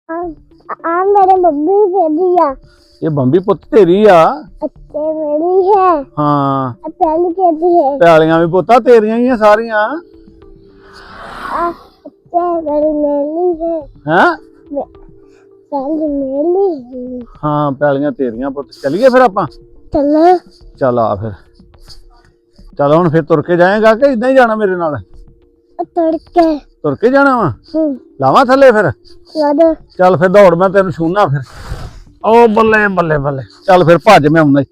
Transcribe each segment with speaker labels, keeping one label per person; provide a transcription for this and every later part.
Speaker 1: आ मेरे मम्मी कहती है
Speaker 2: ये बंबी पुੱਤ ਤੇਰੀ ਆ
Speaker 1: अच्छे मेरी है
Speaker 2: ਹਾਂ
Speaker 1: पहली कहती है
Speaker 2: ਪਿਆਲੀਆਂ ਵੀ ਪੁੱਤਾ ਤੇਰੀਆਂ ਹੀ ਆ ਸਾਰੀਆਂ
Speaker 1: अच्छे मेरी मेरी है
Speaker 2: ਹੈ
Speaker 1: पहली मेरी है
Speaker 2: ਹਾਂ ਪਿਆਲੀਆਂ ਤੇਰੀਆਂ ਪੁੱਤ ਚੱਲੀਏ ਫਿਰ ਆਪਾਂ
Speaker 1: चलो
Speaker 2: ਚੱਲ ਆ ਫਿਰ ਚੱਲ ਹੁਣ ਫਿਰ ਤੁਰ ਕੇ ਜਾਏਗਾ ਕਿ ਇਦਾਂ ਹੀ ਜਾਣਾ ਮੇਰੇ ਨਾਲ
Speaker 1: तड़के
Speaker 2: ਤੁਰ ਕੇ ਜਾਣਾ ਵਾ ਲਾਵਾਂ ਥੱਲੇ ਫਿਰ
Speaker 1: वादो
Speaker 2: ਚੱਲ ਫਿਰ ਦੌੜ ਮੈਂ ਤੈਨੂੰ ਛੂਣਾ ਫਿਰ ਓ ਬੱਲੇ ਬੱਲੇ ਬੱਲੇ ਚੱਲ ਫਿਰ ਭੱਜ ਮੈਂ ਆਉਂਦਾ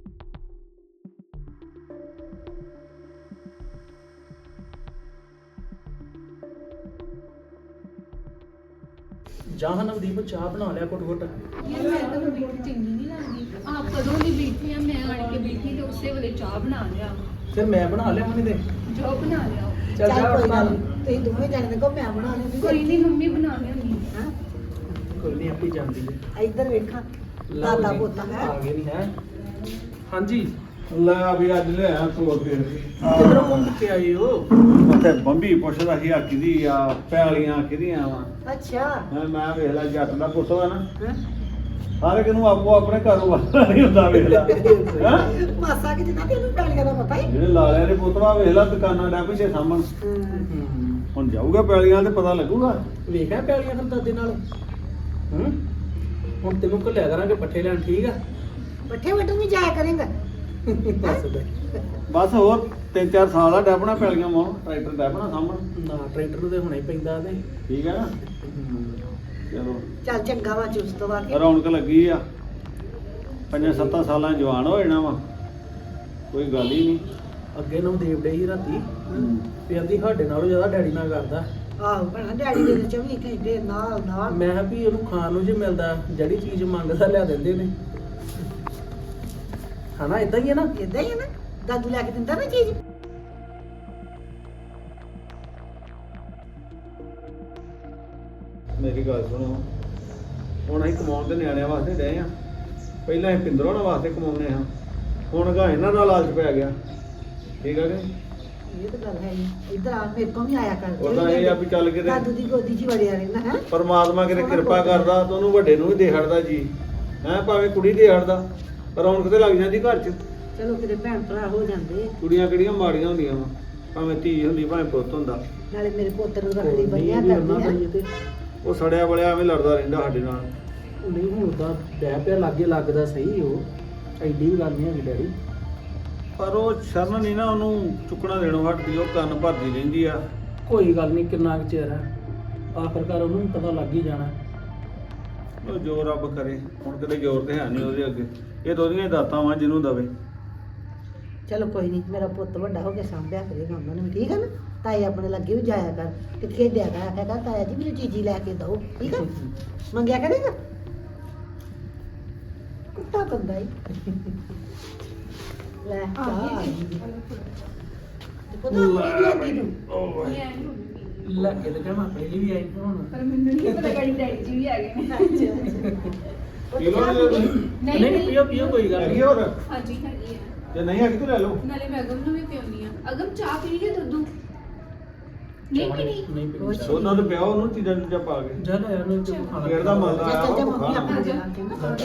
Speaker 3: ਚਾਹ ਨਵਦੀਪ ਚਾਹ ਬਣਾ ਲਿਆ ਘੁੱਟ ਘੁੱਟ
Speaker 4: ਯਾਰ ਮੈਂ ਤਾਂ ਬੈਠੀ ਚੰਗੀ ਨਹੀਂ ਲੱਗਦੀ ਆਪ ਕਦੋਂ ਦੀ ਬੈਠੀ ਆ ਮੈਂ ਆਣ ਕੇ ਬੈਠੀ ਤੇ ਉਸੇ ਵੇਲੇ ਚਾਹ ਬਣਾ ਲਿਆ
Speaker 3: ਫਿਰ ਮੈਂ ਬਣਾ ਲਿਆ ਮੰਮੀ ਦੇ
Speaker 4: ਜੋ ਬਣਾ ਲਿਆ
Speaker 3: ਚੱਲ ਜਾ
Speaker 5: ਕੋਈ
Speaker 3: ਬਣਾ
Speaker 5: ਗੱਲ ਨੀ, ਤੁਸੀਂ ਦੋਵੇਂ ਜਾਣੇ ਦੇਖੋ ਮੈਂ ਬਣਾ ਲੈਂਦੀ
Speaker 4: ਕੋਈ ਨਹੀਂ ਮੰਮੀ ਬਣਾ ਲਿਆਂਗੀ
Speaker 5: ਹਾਂ
Speaker 3: ਕੋਈ ਨਹੀਂ ਆਪੀ ਜਾਂਦੀ ਹੈ
Speaker 5: ਇੱਧਰ ਵੇਖਾਂ
Speaker 3: ਲਓ
Speaker 5: ਦਾਦਾ
Speaker 3: ਜੀ,
Speaker 5: ਪੋਤਾ ਹੈ
Speaker 3: ਆ ਗਏ ਨਹੀਂ ਹੈ ਹਾਂਜੀ
Speaker 2: ਲੈ ਵੀ ਅੱਜ ਲਿਆ ਤੋੜ ਫਿਰ
Speaker 3: ਕਿਧਰੋਂ ਘੁੰਮ ਕੇ ਆਏ ਹੋ
Speaker 2: ਉੱਥੇ ਬੰਬੀ ਪੁੱਛਦਾ ਸੀ ਆ ਕਿਹਦੀ ਆ ਪਿਆਲੀਆਂ ਕਿਹਦੀਆਂ ਵਾ
Speaker 5: ਅੱਛਾ
Speaker 2: ਮੈਂ ਵੇਖ ਲੈ ਜੱਟ ਦਾ ਪੁੱਤ ਵਾ ਨਾ
Speaker 5: ਹੈਂ?
Speaker 2: ਹਰ ਇੱਕ ਨੂੰ ਆਪੋ ਆਪਣੇ ਕਾਰੋਬਾਰ ਨਹੀਂ ਹੁੰਦਾ ਵੇਖ ਲੈ ਹੈਂ?
Speaker 5: ਮਾਸਾ ਕਿ ਜਿੰਨਾ ਤੈਨੂੰ ਪੈਲੀਆਂ ਦਾ ਪਤਾ ਹੀ
Speaker 2: ਜਿਹੜੇ ਲਾਲਿਆਂ ਦੇ ਪੁੱਤ ਵਾ ਵੇਖ ਲੈ ਦੁਕਾਨਾਂ ਡਾ ਪਿੱਛੇ ਸਾਹਮਣ ਹੁਣ ਜਾਊਗਾ ਪਿਆਲੀਆਂ ਤੇ ਪਤਾ ਲੱਗੂਗਾ
Speaker 3: ਵੇਖਿਆ ਪਿਆਲੀਆਂ ਫਿਰ ਦਾਦੇ ਨਾਲ ਹੂੰ ਹੁਣ ਤੈਨੂੰ ਘੱਲਿਆ ਕਰਾਂਗੇ ਪੱਠੇ ਲੈਣ ਠੀਕ ਆ
Speaker 5: ਪੱਠੇ ਵੱਟੂ ਵੀ ਜਾਇਆ ਕਰੇਗਾ
Speaker 3: ਬਸ ਬੈ
Speaker 2: ਬਸ ਹੋਰ 3-4 ਸਾਲ ਦਾ ਡੈਪਣਾ ਪਿਆਲੀਆਂ ਮੋਂ ਟਰੈਕਟਰ ਡੈਪਣਾ ਸਾਹਮਣ
Speaker 3: ਨਾ ਟਰੈਕਟਰ ਨੂੰ ਤੇ ਹੁਣੇ ਹੀ ਪੈਂਦਾ ਤੇ
Speaker 2: ਠੀਕ ਹੈ ਨਾ ਚਲੋ
Speaker 5: ਚੱਲ ਚੰਗਾ ਵਾ ਚੁਸਤ ਵਾ ਕੇ
Speaker 2: ਰੌਣਕ ਲੱਗੀ ਆ 5-7 ਸਾਲਾਂ 'ਚ ਜਵਾਨ ਹੋ ਜਾਣਾ ਵਾ ਕੋਈ ਗੱਲ ਹੀ ਨਹੀਂ
Speaker 3: ਅੱਗੇ ਨੂੰ ਦੇਵ ਡੇ ਹੀ ਰਾਤੀ ਵੀ ਆਂਦੀ ਸਾਡੇ ਨਾਲੋਂ ਜ਼ਿਆਦਾ ਡੈਡੀ ਨਾਲ ਕਰਦਾ
Speaker 5: ਆਹੋ ਭੈਣਾ ਡੈਡੀ ਦੇ 24 ਘੰਟੇ ਨਾਲ ਨਾਲ
Speaker 3: ਮੈਂ ਕਿਹਾ ਵੀ ਉਹਨੂੰ ਖਾਣ ਨੂੰ ਜੇ ਮਿਲਦਾ ਜਿਹੜੀ ਚੀਜ਼ ਮੰਗਦਾ ਲਿਆ ਦਿੰਦੇ ਨੇ ਹਨਾ ਇਦਾਂ ਹੀ ਹੈ ਨਾ
Speaker 5: ਇਦਾਂ ਹੀ ਹੈ ਨਾ ਦਾਦੂ ਲੈ ਕੇ ਦਿੰਦਾ ਨਾ ਚੀਜ਼
Speaker 2: ਮੇਰੀ ਗੱਲ ਸੁਣੋ ਹੁਣ ਅਸੀਂ ਕਮਾਉਣ ਤੇ ਨਿਆਣਿਆਂ ਵਾਸਤੇ ਡਏ ਆ ਪਹਿਲਾਂ ਅਸੀਂ ਪਿੰਦਰੋਂ ਨਾਲ ਵਾਸਤੇ ਕਮਾਉਂਦੇ ਹਾਂ ਹੁਣ ਗਾ ਇਹਨਾਂ ਨਾਲ ਲਾਲਚ ਪੈ ਗਿਆ ਠੀਕ ਆ ਕਿ
Speaker 5: ਇਹ ਤਾਂ ਗੱਲ ਹੈ ਹੀ ਇੱਧਰ ਆ ਮੇਰੇ ਕੋਲ ਵੀ ਆਇਆ ਕਰ
Speaker 2: ਉਹਦਾ ਇਹ ਆ ਵੀ ਚੱਲ ਕੇ
Speaker 5: ਦਾਦੂ ਦੀ ਗੋਦੀ 'ਚ ਹੀ ਵੜਿਆ ਰਹਿੰਦਾ ਹੈ
Speaker 2: ਪਰਮਾਤਮਾ ਕਿਤੇ ਕਿਰਪਾ ਕਰਦਾ ਤਾਂ ਉਹਨੂੰ ਵੱਡੇ ਨੂੰ ਵੀ ਦੇ ਹੜਦਾ ਜੀ ਹੈ ਭਾਵੇਂ ਕੁੜੀ ਦੇ ਹੜਦਾ ਰੌਣਕ ਤੇ ਲੱਗ ਜਾਂਦੀ ਘਰ 'ਚ
Speaker 5: ਚਲੋ ਕਿਤੇ ਭੈਣ ਭਰਾ ਹੋ ਜਾਂਦੇ
Speaker 2: ਕੁੜੀਆਂ ਕਿਹੜੀਆਂ ਮਾੜੀਆਂ ਹੁੰਦੀਆਂ ਵਾ ਭਾਵੇਂ ਧੀ ਹੁੰਦੀ ਭਾਵੇਂ ਪੁੱਤ ਹੁੰਦਾ
Speaker 5: ਨਾਲੇ ਮੇਰੇ ਪੁੱਤ ਨੂੰ ਰੱਖੜੀ ਬੰਨਿਆ
Speaker 3: ਨਹੀਂ ਉਹਨਾਂ ਦਾ
Speaker 5: ਕਰਦੀ
Speaker 3: ਹੀ
Speaker 5: ਹੈ
Speaker 3: ਤੇ
Speaker 2: ਉਹ ਸੜਿਆ ਬਲਿਆ ਐਵੇਂ ਲੜਦਾ ਰਹਿੰਦਾ ਸਾਡੇ ਨਾਲ
Speaker 3: ਨਹੀਂ ਹੁਣ ਤਾਂ ਡੈ ਪਿਆ ਲਾਗੇ ਲੱਗਦਾ ਸਹੀ ਉਹ ਐਡੀ ਵੀ ਗੱਲ ਨਹੀਂ ਹੈਗੀ ਡੈਡੀ
Speaker 2: ਪਰ ਉਹ ਸ਼ਰਨ ਨਹੀਂ ਨਾ ਉਹਨੂੰ ਚੁੱਕਣਾ ਦੇਣੋਂ ਹਟਦੀ ਉਹ ਕੰਨ ਭਰਦੀ ਰਹਿੰਦੀ ਆ
Speaker 3: ਕੋਈ ਗੱਲ ਨਹੀਂ ਕਿੰਨਾ ਕੁ ਚਿਰ ਹੈ ਆਖਰਕਾਰ ਉਹਨੂੰ ਵੀ ਪਤਾ ਲੱਗ ਹੀ ਜਾਣਾ
Speaker 2: ਉਹ ਜੋ ਰੱਬ ਕਰੇ ਹੁਣ ਕਿਤੇ ਜ਼ੋਰ ਤੇ ਹੈ ਨਹੀਂ ਉਹਦੇ ਅੱਗੇ ਇਹ ਤਾਂ ਉਹਦੀਆਂ ਦਾਤਾਂ ਵਾਂ ਜਿਹਨੂੰ ਦਵੇ
Speaker 5: ਚਲੋ ਕੋਈ ਨਹੀਂ ਮੇਰਾ ਪੁੱਤ ਵੱਡਾ ਹੋ ਕੇ ਸਾਂਭਿਆ ਕਰੇਗਾ ਉਹਨਾਂ ਨੂੰ ਠੀਕ ਹੈ ਨਾ ਤਾਏ ਆਪਣੇ ਲੱਗੇ ਵੀ ਜਾਇਆ ਕਰ ਤੇ ਖੇਡਿਆ ਕਰ ਆਖਿਆ ਕਰ ਤਾਇਆ ਜੀ ਮੈਨੂੰ ਚੀਜ਼ੀ ਲੈ ਕੇ ਦਿਓ ਠੀਕ ਹੈ ਮੰਗਿਆ ਕਰੇਗਾ ਕੁੱਤਾ ਕੰਦਾ ਹੀ ਲੈ ਚਾਹ ਆ ਗਈ ਤੇ ਪਤਾ ਨਹੀਂ ਲੱਗੀ ਨੂੰ
Speaker 4: ਮੈਂ ਨਹੀਂ ਹੋਣੀ।
Speaker 3: ਲੱਗੇ ਤੇ ਮੈਂ ਆਪਣੇ ਲਈ ਵੀ ਆਈ ਹੁਣ
Speaker 4: ਪਰ ਮੈਨੂੰ ਨਹੀਂ ਪਤਾ ਗਾੜੀ ਡੈਡੀ ਜੀ ਵੀ ਆ ਗਏ ਨੇ
Speaker 3: ਨਹੀਂ ਨਹੀਂ ਪੀਓ ਪੀਓ ਕੋਈ ਗੱਲ
Speaker 2: ਹੈਗੀ
Speaker 3: ਨਹੀਂ
Speaker 2: ਹੋਰ
Speaker 4: ਹਾਂਜੀ ਹੈਗੀ ਆ
Speaker 2: ਜੇ ਨਹੀਂ ਹੈਗੀ ਤਾਂ ਲੈ ਲਓ
Speaker 4: ਨਾਲੇ ਮੈਂ ਅਗਮ ਨੂੰ ਵੀ ਪਿਉਣੀ ਆ ਅਗਮ ਚਾਹ ਪੀ ਲਈ ਦੁੱਧੂ ਨਹੀਂ ਪੀਣੀ
Speaker 3: ਨਹੀਂ ਪੀਣੀ ਚਾਹ।
Speaker 2: ਉਹਨਾਂ ਨੂੰ ਪਿਆਓ ਉਹਨੂੰ ਚੀਜ਼ਾਂ ਚੀਜ਼ਾਂ ਪਾ ਕੇ
Speaker 3: ਜਾ ਲੈ ਯਾਰ ਨੂੰ ਤੇ ਖਾਣਾ
Speaker 2: ਫੇਰ ਦਾ ਮਜ਼ਾ ਆਇਆ
Speaker 5: ਚੱਲ ਜਾ
Speaker 2: ਵਾ,
Speaker 5: ਮੰਮੀ
Speaker 2: ਖਾਣਾ।
Speaker 5: ਆਪਣੇ ਨਾਲ ਕੇ ਨਾ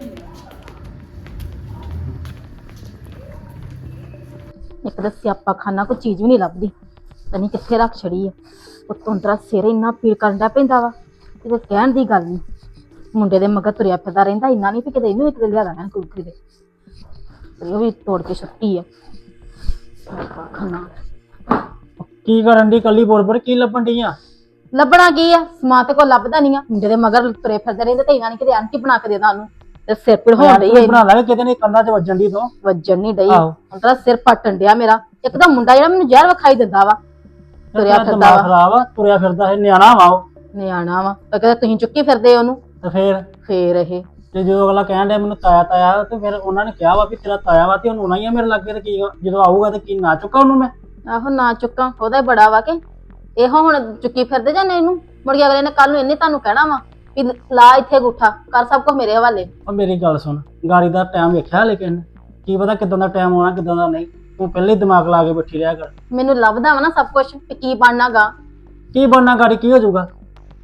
Speaker 6: ਇੱਕ ਤਾਂ ਸਿਆਪਾ ਖਾਨਾ ਕੋਈ ਚੀਜ਼ ਵੀ ਨਹੀਂ ਲੱਭਦੀ ਪਤਾ ਨਹੀਂ ਕਿੱਥੇ ਰੱਖ ਛੜੀ ਆ ਉੱਤੋਂ ਤੇਰਾ ਸਿਰ ਇੰਨਾ ਪੀੜ ਕਰਨ ਦਾ ਪੈਂਦਾ ਵਾ ਕਿਤੇ ਕਹਿਣ ਦੀ ਗੱਲ ਨਹੀਂ ਮੁੰਡੇ ਦੇ ਮਗਰ ਤੁਰਿਆ ਫਿਰਦਾ ਰਹਿੰਦਾ ਇੰਨਾ ਨਹੀਂ ਵੀ ਕਿਤੇ ਇਹਨੂੰ ਇੱਕ ਲਿਆ ਦੇਣਾ ਕੁਲਕਰੀ ਦੇ ਤੇ ਉਹ ਵੀ ਤੋੜ ਕੇ ਛੱਟੀ ਆ ਸਿਆਪਾ ਖਾਨਾ
Speaker 7: ਕੀ ਕਰਨ ਦੀ ਕੱਲੀ ਬੋਰ ਕੀ ਲੱਭਣ ਡੀਆਂ
Speaker 6: ਲੱਭਣਾ ਕੀ ਆ ਸਮਾਂ ਤੇ ਕੋਈ ਲੱਭਦਾ ਨਹੀਂ ਆ ਮੁੰਡੇ ਦੇ ਮਗਰ ਤੁਰੇ ਫਿਰਦੇ ਰਹਿੰਦੇ ਤੇ ਇਹਨਾਂ ਨੇ ਕਿਤੇ ਆਂਟੀ ਬਣਾ ਕੇ ਦੇਦਾ ਉਹਨੂੰ ਤੇ ਸਿਰ ਪੀੜ ਹੋਣ ਡਈ ਆ
Speaker 7: ਬਣਾ ਲਾਂਗੇ ਕਿਤੇ ਨੇ ਕੰਨਾਂ 'ਚ ਵੱਜਣ ਦੀ ਤੋਂ
Speaker 6: ਵੱਜਣ ਨਹੀਂ ਡਈ
Speaker 7: ਆਹੋ।
Speaker 6: ਹੁਣ ਤੇਰਾ ਸਿਰ ਪਟਣ ਡਿਆ ਮੇਰਾ ਇੱਕ ਤਾਂ ਮੁੰਡਾ ਜਿਹੜਾ ਮੈਨੂੰ ਜ਼ਹਿਰ ਵਿਖਾਈ ਦਿੰਦਾ ਵਾ ਤੁਰਿਆ ਫਿਰਦਾ
Speaker 7: ਦਿਮਾਗ
Speaker 6: ਵਾ
Speaker 7: ਖਰਾਬ ਆ ਤੁਰਿਆ ਫਿਰਦਾ ਹੈ ਨਿਆਣਾ ਵਾ ਉਹ
Speaker 6: ਨਿਆਣਾ ਵਾ ਤਾਂ ਕਹਿੰਦਾ ਤੁਸੀਂ ਚੁੱਕੀ ਫਿਰਦੇ ਉਹਨੂੰ
Speaker 7: ਤੇ ਫੇਰ
Speaker 6: ਇਹ
Speaker 7: ਤੇ ਜਦੋਂ ਅਗਲਾ ਕਹਿਣ ਡਿਆ ਮੈਨੂੰ ਤਾਇਆ ਤਾਇਆ ਤੇ ਫਿਰ ਉਹਨਾਂ ਨੇ ਕਿਹਾ ਵਾ ਵੀ ਤੇਰਾ ਤਾਇਆ ਵਾ ਤੇ ਹੁਣ ਆਉਣਾ ਹੀ ਆ ਮੇਰੇ ਲੱਗੇ ਤੇ ਕੀ ਜਦੋਂ ਆਊਗਾ ਤੇ ਕੀ ਨਾ ਚੁੱਕਾ ਉਹਨੂੰ ਮੈਂ
Speaker 6: ਆਹੋ ਨਾ ਚੁੱਕਾਂ ਉਹਦਾ ਹੀ ਬੜਾ ਵਾ ਕਿ ਇਹੋ ਹੁਣ ਚੁੱਕੀ ਫਿਰਦੇ ਜਾਂ ਨਹੀਂ ਇਹਨੂੰ ਮੁੜ ਕੇ ਅਗਲੇ ਨੇ ਕੱਲ ਨੂੰ ਇਹਨੇ ਤੁਹਾਨੂੰ ਕਹਿਣਾ ਵਾ ਵੀ ਲਾ ਇੱਥੇ ਗੁੱਠਾ ਕਰ ਸਭ ਕੁਝ ਮੇਰੇ ਹਵਾਲੇ
Speaker 7: ਉਹ ਮੇਰੀ ਗੱਲ ਸੁਣ ਗਾੜੀ ਦਾ ਟਾਈਮ ਵੇਖਿਆ ਲੇਕਿਨ ਕੀ ਪਤਾ ਕਿਦਾਂ ਦਾ ਟਾਈਮ ਆਉਣਾ ਕਿਦਾਂ ਦਾ ਨਹੀਂ ਤੂੰ ਪਹਿਲੇ ਹੀ ਦਿਮਾਗ ਲਾ ਕੇ ਬੈਠੀ ਰਿਹਾ ਕਰ
Speaker 6: ਮੈਨੂੰ ਲੱਭਦਾ ਵਾ ਨਾ ਸਭ ਕੁਝ ਵੀ ਕੀ ਬਣਨਾਗਾ
Speaker 7: ਕੀ ਬਣਨਾ ਗਾੜੀ ਕੀ ਹੋ ਜਾਊਗਾ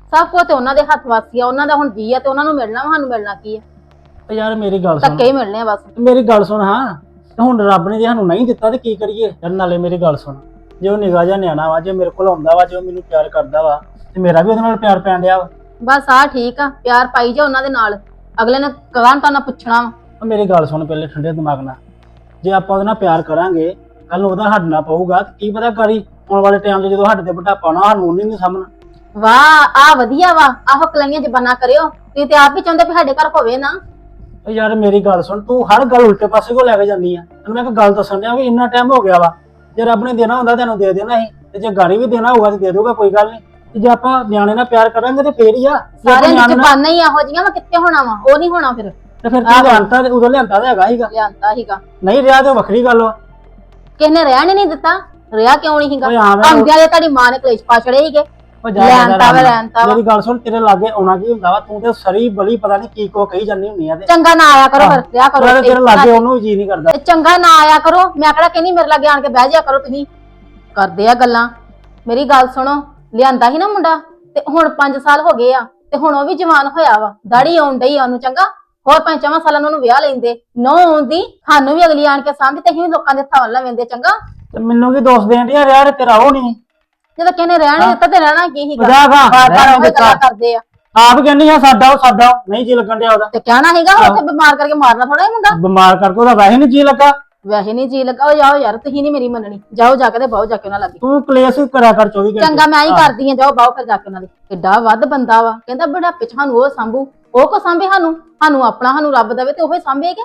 Speaker 6: ਸਭ ਕੁਝ ਤੇ ਉਹਨਾਂ ਦੇ ਹੱਥ ਵਾਸੀ ਆ, ਉਹਨਾਂ ਦਾ ਹੁਣ ਜੀ ਆ ਤੇ ਉਹਨਾਂ ਨੂੰ ਮਿਲਣਾ ਵਾ, ਸਾਨੂੰ ਮਿਲਣਾ ਕੀ ਆ?
Speaker 7: ਤੇ ਯਾਰ ਮੇਰੀ ਗੱਲ ਸੁਣ,
Speaker 6: ਧੱਕੇ ਹੀ ਮਿਲਣੇ ਆ ਬਸ।
Speaker 7: ਮੇਰੀ ਗੱਲ ਸੁਣ ਹਾਂ, ਤੇ ਹੁਣ ਰੱਬ ਨੇ ਜੇ ਸਾਨੂੰ ਨਹੀਂ ਦਿੱਤਾ ਤੇ ਕੀ ਕਰੀਏ? ਯਾਰ ਨਾਲੇ ਮੇਰੀ ਗੱਲ ਸੁਣ, ਜੇ ਉਹ ਨਿਗਾਹ ਜਿਹਾ ਨਿਆਣਾ ਵਾ, ਜੇ ਮੇਰੇ ਕੋਲ ਆਉਂਦਾ ਵਾ, ਜੇ ਉਹ ਮੈਨੂੰ ਪਿਆਰ ਕਰਦਾ ਵਾ ਤੇ ਮੇਰਾ ਵੀ ਉਹਦੇ ਨਾਲ ਪਿਆਰ ਪੈਣ ਡਿਆ ਵਾ।
Speaker 6: ਬਸ ਆ ਠੀਕ ਆ, ਪਿਆਰ ਪਾਈ ਜਾ ਉਹਨਾਂ ਦੇ ਨਾਲ, ਅਗਲੇ ਨੇ ਕਹਾਂ ਤਾਂ ਨਾ ਪੁੱਛਣਾ ਵਾ।
Speaker 7: ਉਹ ਮੇਰੀ ਗੱਲ ਸੁਣ ਪਹਿਲੇ ਠੰਡੇ ਦਿਮਾਗ ਨਾਲ, ਜੇ ਆਪਾਂ ਉਹਦੇ ਨਾਲ ਪਿਆਰ ਕਰਾਂਗੇ, ਕੱਲ ਨੂੰ ਉਹਦਾ ਹੱਡਣਾ ਪਊਗਾ ਤੇ ਕੀ ਪਤਾ ਕਰੀ ਆਉਣ ਵਾਲੇ ਟਾਈਮ 'ਚ ਜਦੋਂ ਸਾਡੇ ਤੇ ਬੁਢਾਪਾ ਨਾ ਸਾਨੂੰ ਨਹੀਂ ਸਾਹਮਣਾ।
Speaker 6: ਵਾਹ ਆ ਵਧੀਆ ਵਾ, ਆਹੋ ਕਲਾਈਆਂ ਜ਼ਬਾਨਾਂ ਕਰਿਓ, ਤੁਸੀਂ ਤੇ ਆਪ ਵੀ ਚਾਹੁੰਦੇ ਵੀ ਸਾਡੇ ਘਰ ਹੋਵੇ ਨਾ।
Speaker 7: ਉਹ ਯਾਰ ਮੇਰੀ ਗੱਲ ਸੁਣ, ਤੂੰ ਹਰ ਗੱਲ ਉਲਟੇ ਪਾਸੇ ਕੋ ਲੈ ਕੇ ਜਾਂਦੀ ਆ। ਤੈਨੂੰ ਮੈਂ ਇੱਕ ਗੱਲ ਦੱਸਣ ਡਿਆ ਵੀ ਇੰਨਾ ਟਾਈਮ ਹੋ ਗਿਆ ਵਾ, ਜੇ ਰੱਬ ਨੇ ਦੇਣਾ ਹੁੰਦਾ ਤੈਨੂੰ ਦੇ ਦੇਣਾ ਸੀ, ਤੇ ਜੇ ਗਾੜੀ ਵੀ ਦੇਣਾ ਹੋਊਗਾ ਤੇ ਦੇ ਦਊਗਾ, ਕੋਈ ਗੱਲ ਨਹੀਂ। ਤੇ ਜੇ ਆਪਾਂ ਨਿਆਣੇ ਨਾਲ ਪਿਆਰ ਕਰਾਂਗੇ ਤੇ ਫੇਰ ਹੀ ਆ। ਜੇ ਆਪਾਂ
Speaker 6: ਸਾਰਿਆਂ ਦੀ
Speaker 7: ਨਿਆਣੇ ਨਾਲ-
Speaker 6: ਜ਼ਬਾਨਾਂ ਹੀ ਇਹੋ ਜਿਹੀਆਂ ਵਾ, ਕਿੱਥੇ ਹੋਣਾ ਵਾ? ਉਹ ਨਹੀਂ ਹੋਣਾ ਫਿਰ।
Speaker 7: ਤੇ ਫਿਰ ਤੂੰ ਲਿਆਂਤਾ ਤੇ ਉਦੋਂ ਲਿਆਂਤਾ ਤੇ ਹੈਗਾ ਹੀਗਾ,
Speaker 6: ਲਿਆਂਤਾ ਹੀਗਾ,
Speaker 7: ਨਹੀਂ ਰਿਹਾ ਤੇ ਵੱਖਰੀ ਗੱਲ ਵਾ।
Speaker 6: ਕਿਸੇ ਨੇ ਰਹਿਣ ਹੀ ਨਹੀਂ ਦਿੱਤਾ, ਰਿਹਾ ਕਿਉਂ ਨਹੀਂ ਹੀਗਾ?
Speaker 7: ਓਏ ਹਾਂ ਮੈਂ-
Speaker 6: ਆਉਂਦਿਆਂ ਦੇ ਤੁਹਾਡੀ ਮਾਂ ਨੇ ਕਲੇਸ਼ ਪਾ ਛੜੇ ਹੀਗੇ।
Speaker 7: ਉਹ ਜਾ
Speaker 6: ਲਿਆਂਤਾ ਵਾ, ਲਿਆਂਤਾ ਵਾ।
Speaker 7: ਮੇਰੀ ਗੱਲ ਸੁਣ, ਤੇਰੇ ਲਾਗੇ ਆਉਣਾ ਕੀ ਹੁੰਦਾ ਵਾ? ਤੂੰ ਤੇ ਸਰੀ ਬਲੀ ਪਤਾ ਨਹੀਂ ਕੀ ਕੋ ਕਹੀ ਜਾਂਦੀ ਹੁੰਦੀ ਆ ਤੇ
Speaker 6: ਚੰਗਾ ਨਾ ਆਇਆ ਕਰੋ ਫਿਰ, ਰਿਹਾ ਕਰੋ
Speaker 7: ਤੇਰੇ
Speaker 6: ਇੱਥੇ।
Speaker 7: ਲਾਗੇ ਉਹਨੂੰ ਵੀ ਜੀ ਨਹੀਂ ਕਰਦਾ।
Speaker 6: ਤੇ ਚੰਗਾ ਨਾ ਆਇਆ ਕਰੋ, ਮੈਂ ਕਿਹੜਾ ਕਹਿੰਦੀ ਮੇਰੇ ਲਾਗੇ ਆਣ ਕੇ ਬਹਿ ਜਾ ਕਰੋ, ਤੁਸੀਂ ਕਰਦੇ ਆ ਗੱਲਾਂ। ਮੇਰੀ ਗੱਲ ਸੁਣੋ, ਲਿਆਂਦਾ ਸੀ ਨਾ ਮੁੰਡਾ ਤੇ ਹੁਣ 5 ਸਾਲ ਹੋ ਗਏ ਆ ਤੇ ਹੁਣ ਉਹ ਵੀ ਜਵਾਨ ਹੋਇਆ ਵਾ, ਦਾੜੀ ਆਉਣ ਡਈ ਆ ਉਹਨੂੰ। ਚੰਗਾ ਹੋਰ 5 ਸਾਲਾਂ ਨੂੰ ਉਹਨੂੰ ਵਿਆਹ ਲੈਂਦੇ, ਨੋ ਆਉਂਦੀ ਸਾਨੂੰ ਵੀ ਅਗਲੀ ਆਣ ਕੇ ਸਾਂਭੀ ਤੇ ਅਸੀਂ ਵੀ ਲੋਕਾਂ ਦੇ ਹੱਥਾਂ ਲੈਂਦੇ। ਚੰਗਾ
Speaker 7: ਤੇ ਮੈਨੂੰ ਕੀ ਦੋਸਤ ਦੇਣ ਡਿਆ ਯਾਰ, ਤੇਰਾ ਉਹ ਨਹੀਂ
Speaker 6: ਜਦੋਂ ਕਿਸੇ ਨੇ ਰਹਿਣ ਨੀ ਦਿੱਤਾ ਤੇ ਰਹਿਣਾ ਕੀ ਹੀਗਾ?
Speaker 7: ਮਜ਼ਾਕ ਆ,
Speaker 6: ਬਾਰ-ਬਾਰ
Speaker 7: ਰਹਿਣ
Speaker 6: ਉਹੀ ਗੱਲਾਂ
Speaker 7: ਦਿੱਤਾ।
Speaker 6: ਕਰਦੇ ਆ
Speaker 7: ਆਪ ਕਹਿੰਦੀ ਆ ਸਾਡਾ ਉਹ ਨਹੀਂ ਜੀ ਲੱਗਣ ਡਿਆ ਉਹਦਾ।
Speaker 6: ਤੇ ਕਹਿਣਾ ਹੀਗਾ ਉੱਥੇ ਬਿਮਾਰ ਕਰਕੇ ਮਾਰਨਾ ਥੋੜਾ ਹੀ ਮੁੰਡਾ।
Speaker 7: ਬਿਮਾਰ ਕਰਕੇ ਉਹਦਾ ਵੈਸੇ ਨਹੀਂ ਜੀ ਲੱਗਾ।
Speaker 6: ਵੈਸੇ ਨਹੀਂ ਜੀ ਲੱਗਾ, ਉਹ ਜਾਓ ਯਾਰ, ਤੁਸੀਂ ਨਹੀਂ ਮੇਰੀ ਮੰਨਣੀ, ਜਾਓ ਜਾ ਕੇ ਤੇ ਬਹੁ ਜਾ ਕੇ ਉਹਨਾਂ ਲੱਗੇ।
Speaker 7: ਤੂੰ ਕਲੇਸ਼ ਕਰਿਆ ਕਰ 24 ਘੰਟੇ।
Speaker 6: ਚੰਗਾ ਮੈਂ ਹੀ ਕਰਦੀ ਆ, ਜਾਓ ਬਾਹੋ ਫਿਰ ਜਾ ਕੇ ਉਹਨਾਂ ਦੇ। ਕਿੱਡਾ ਵੱਧ ਬੰਦਾ ਵਾ, ਕਹਿੰਦਾ ਬੁਢਾਪੇ ਚ ਸਾਨੂੰ ਉਹ ਸਾਂਭੂ, ਉਹ ਕੋ ਸਾਂਭੇ ਸਾਨੂੰ ਆਪਣਾ, ਸਾਨੂੰ ਰੱਬ ਦੇਵੇ ਤੇ ਉਹ ਹੀ ਸਾਂਭੇਗਾ।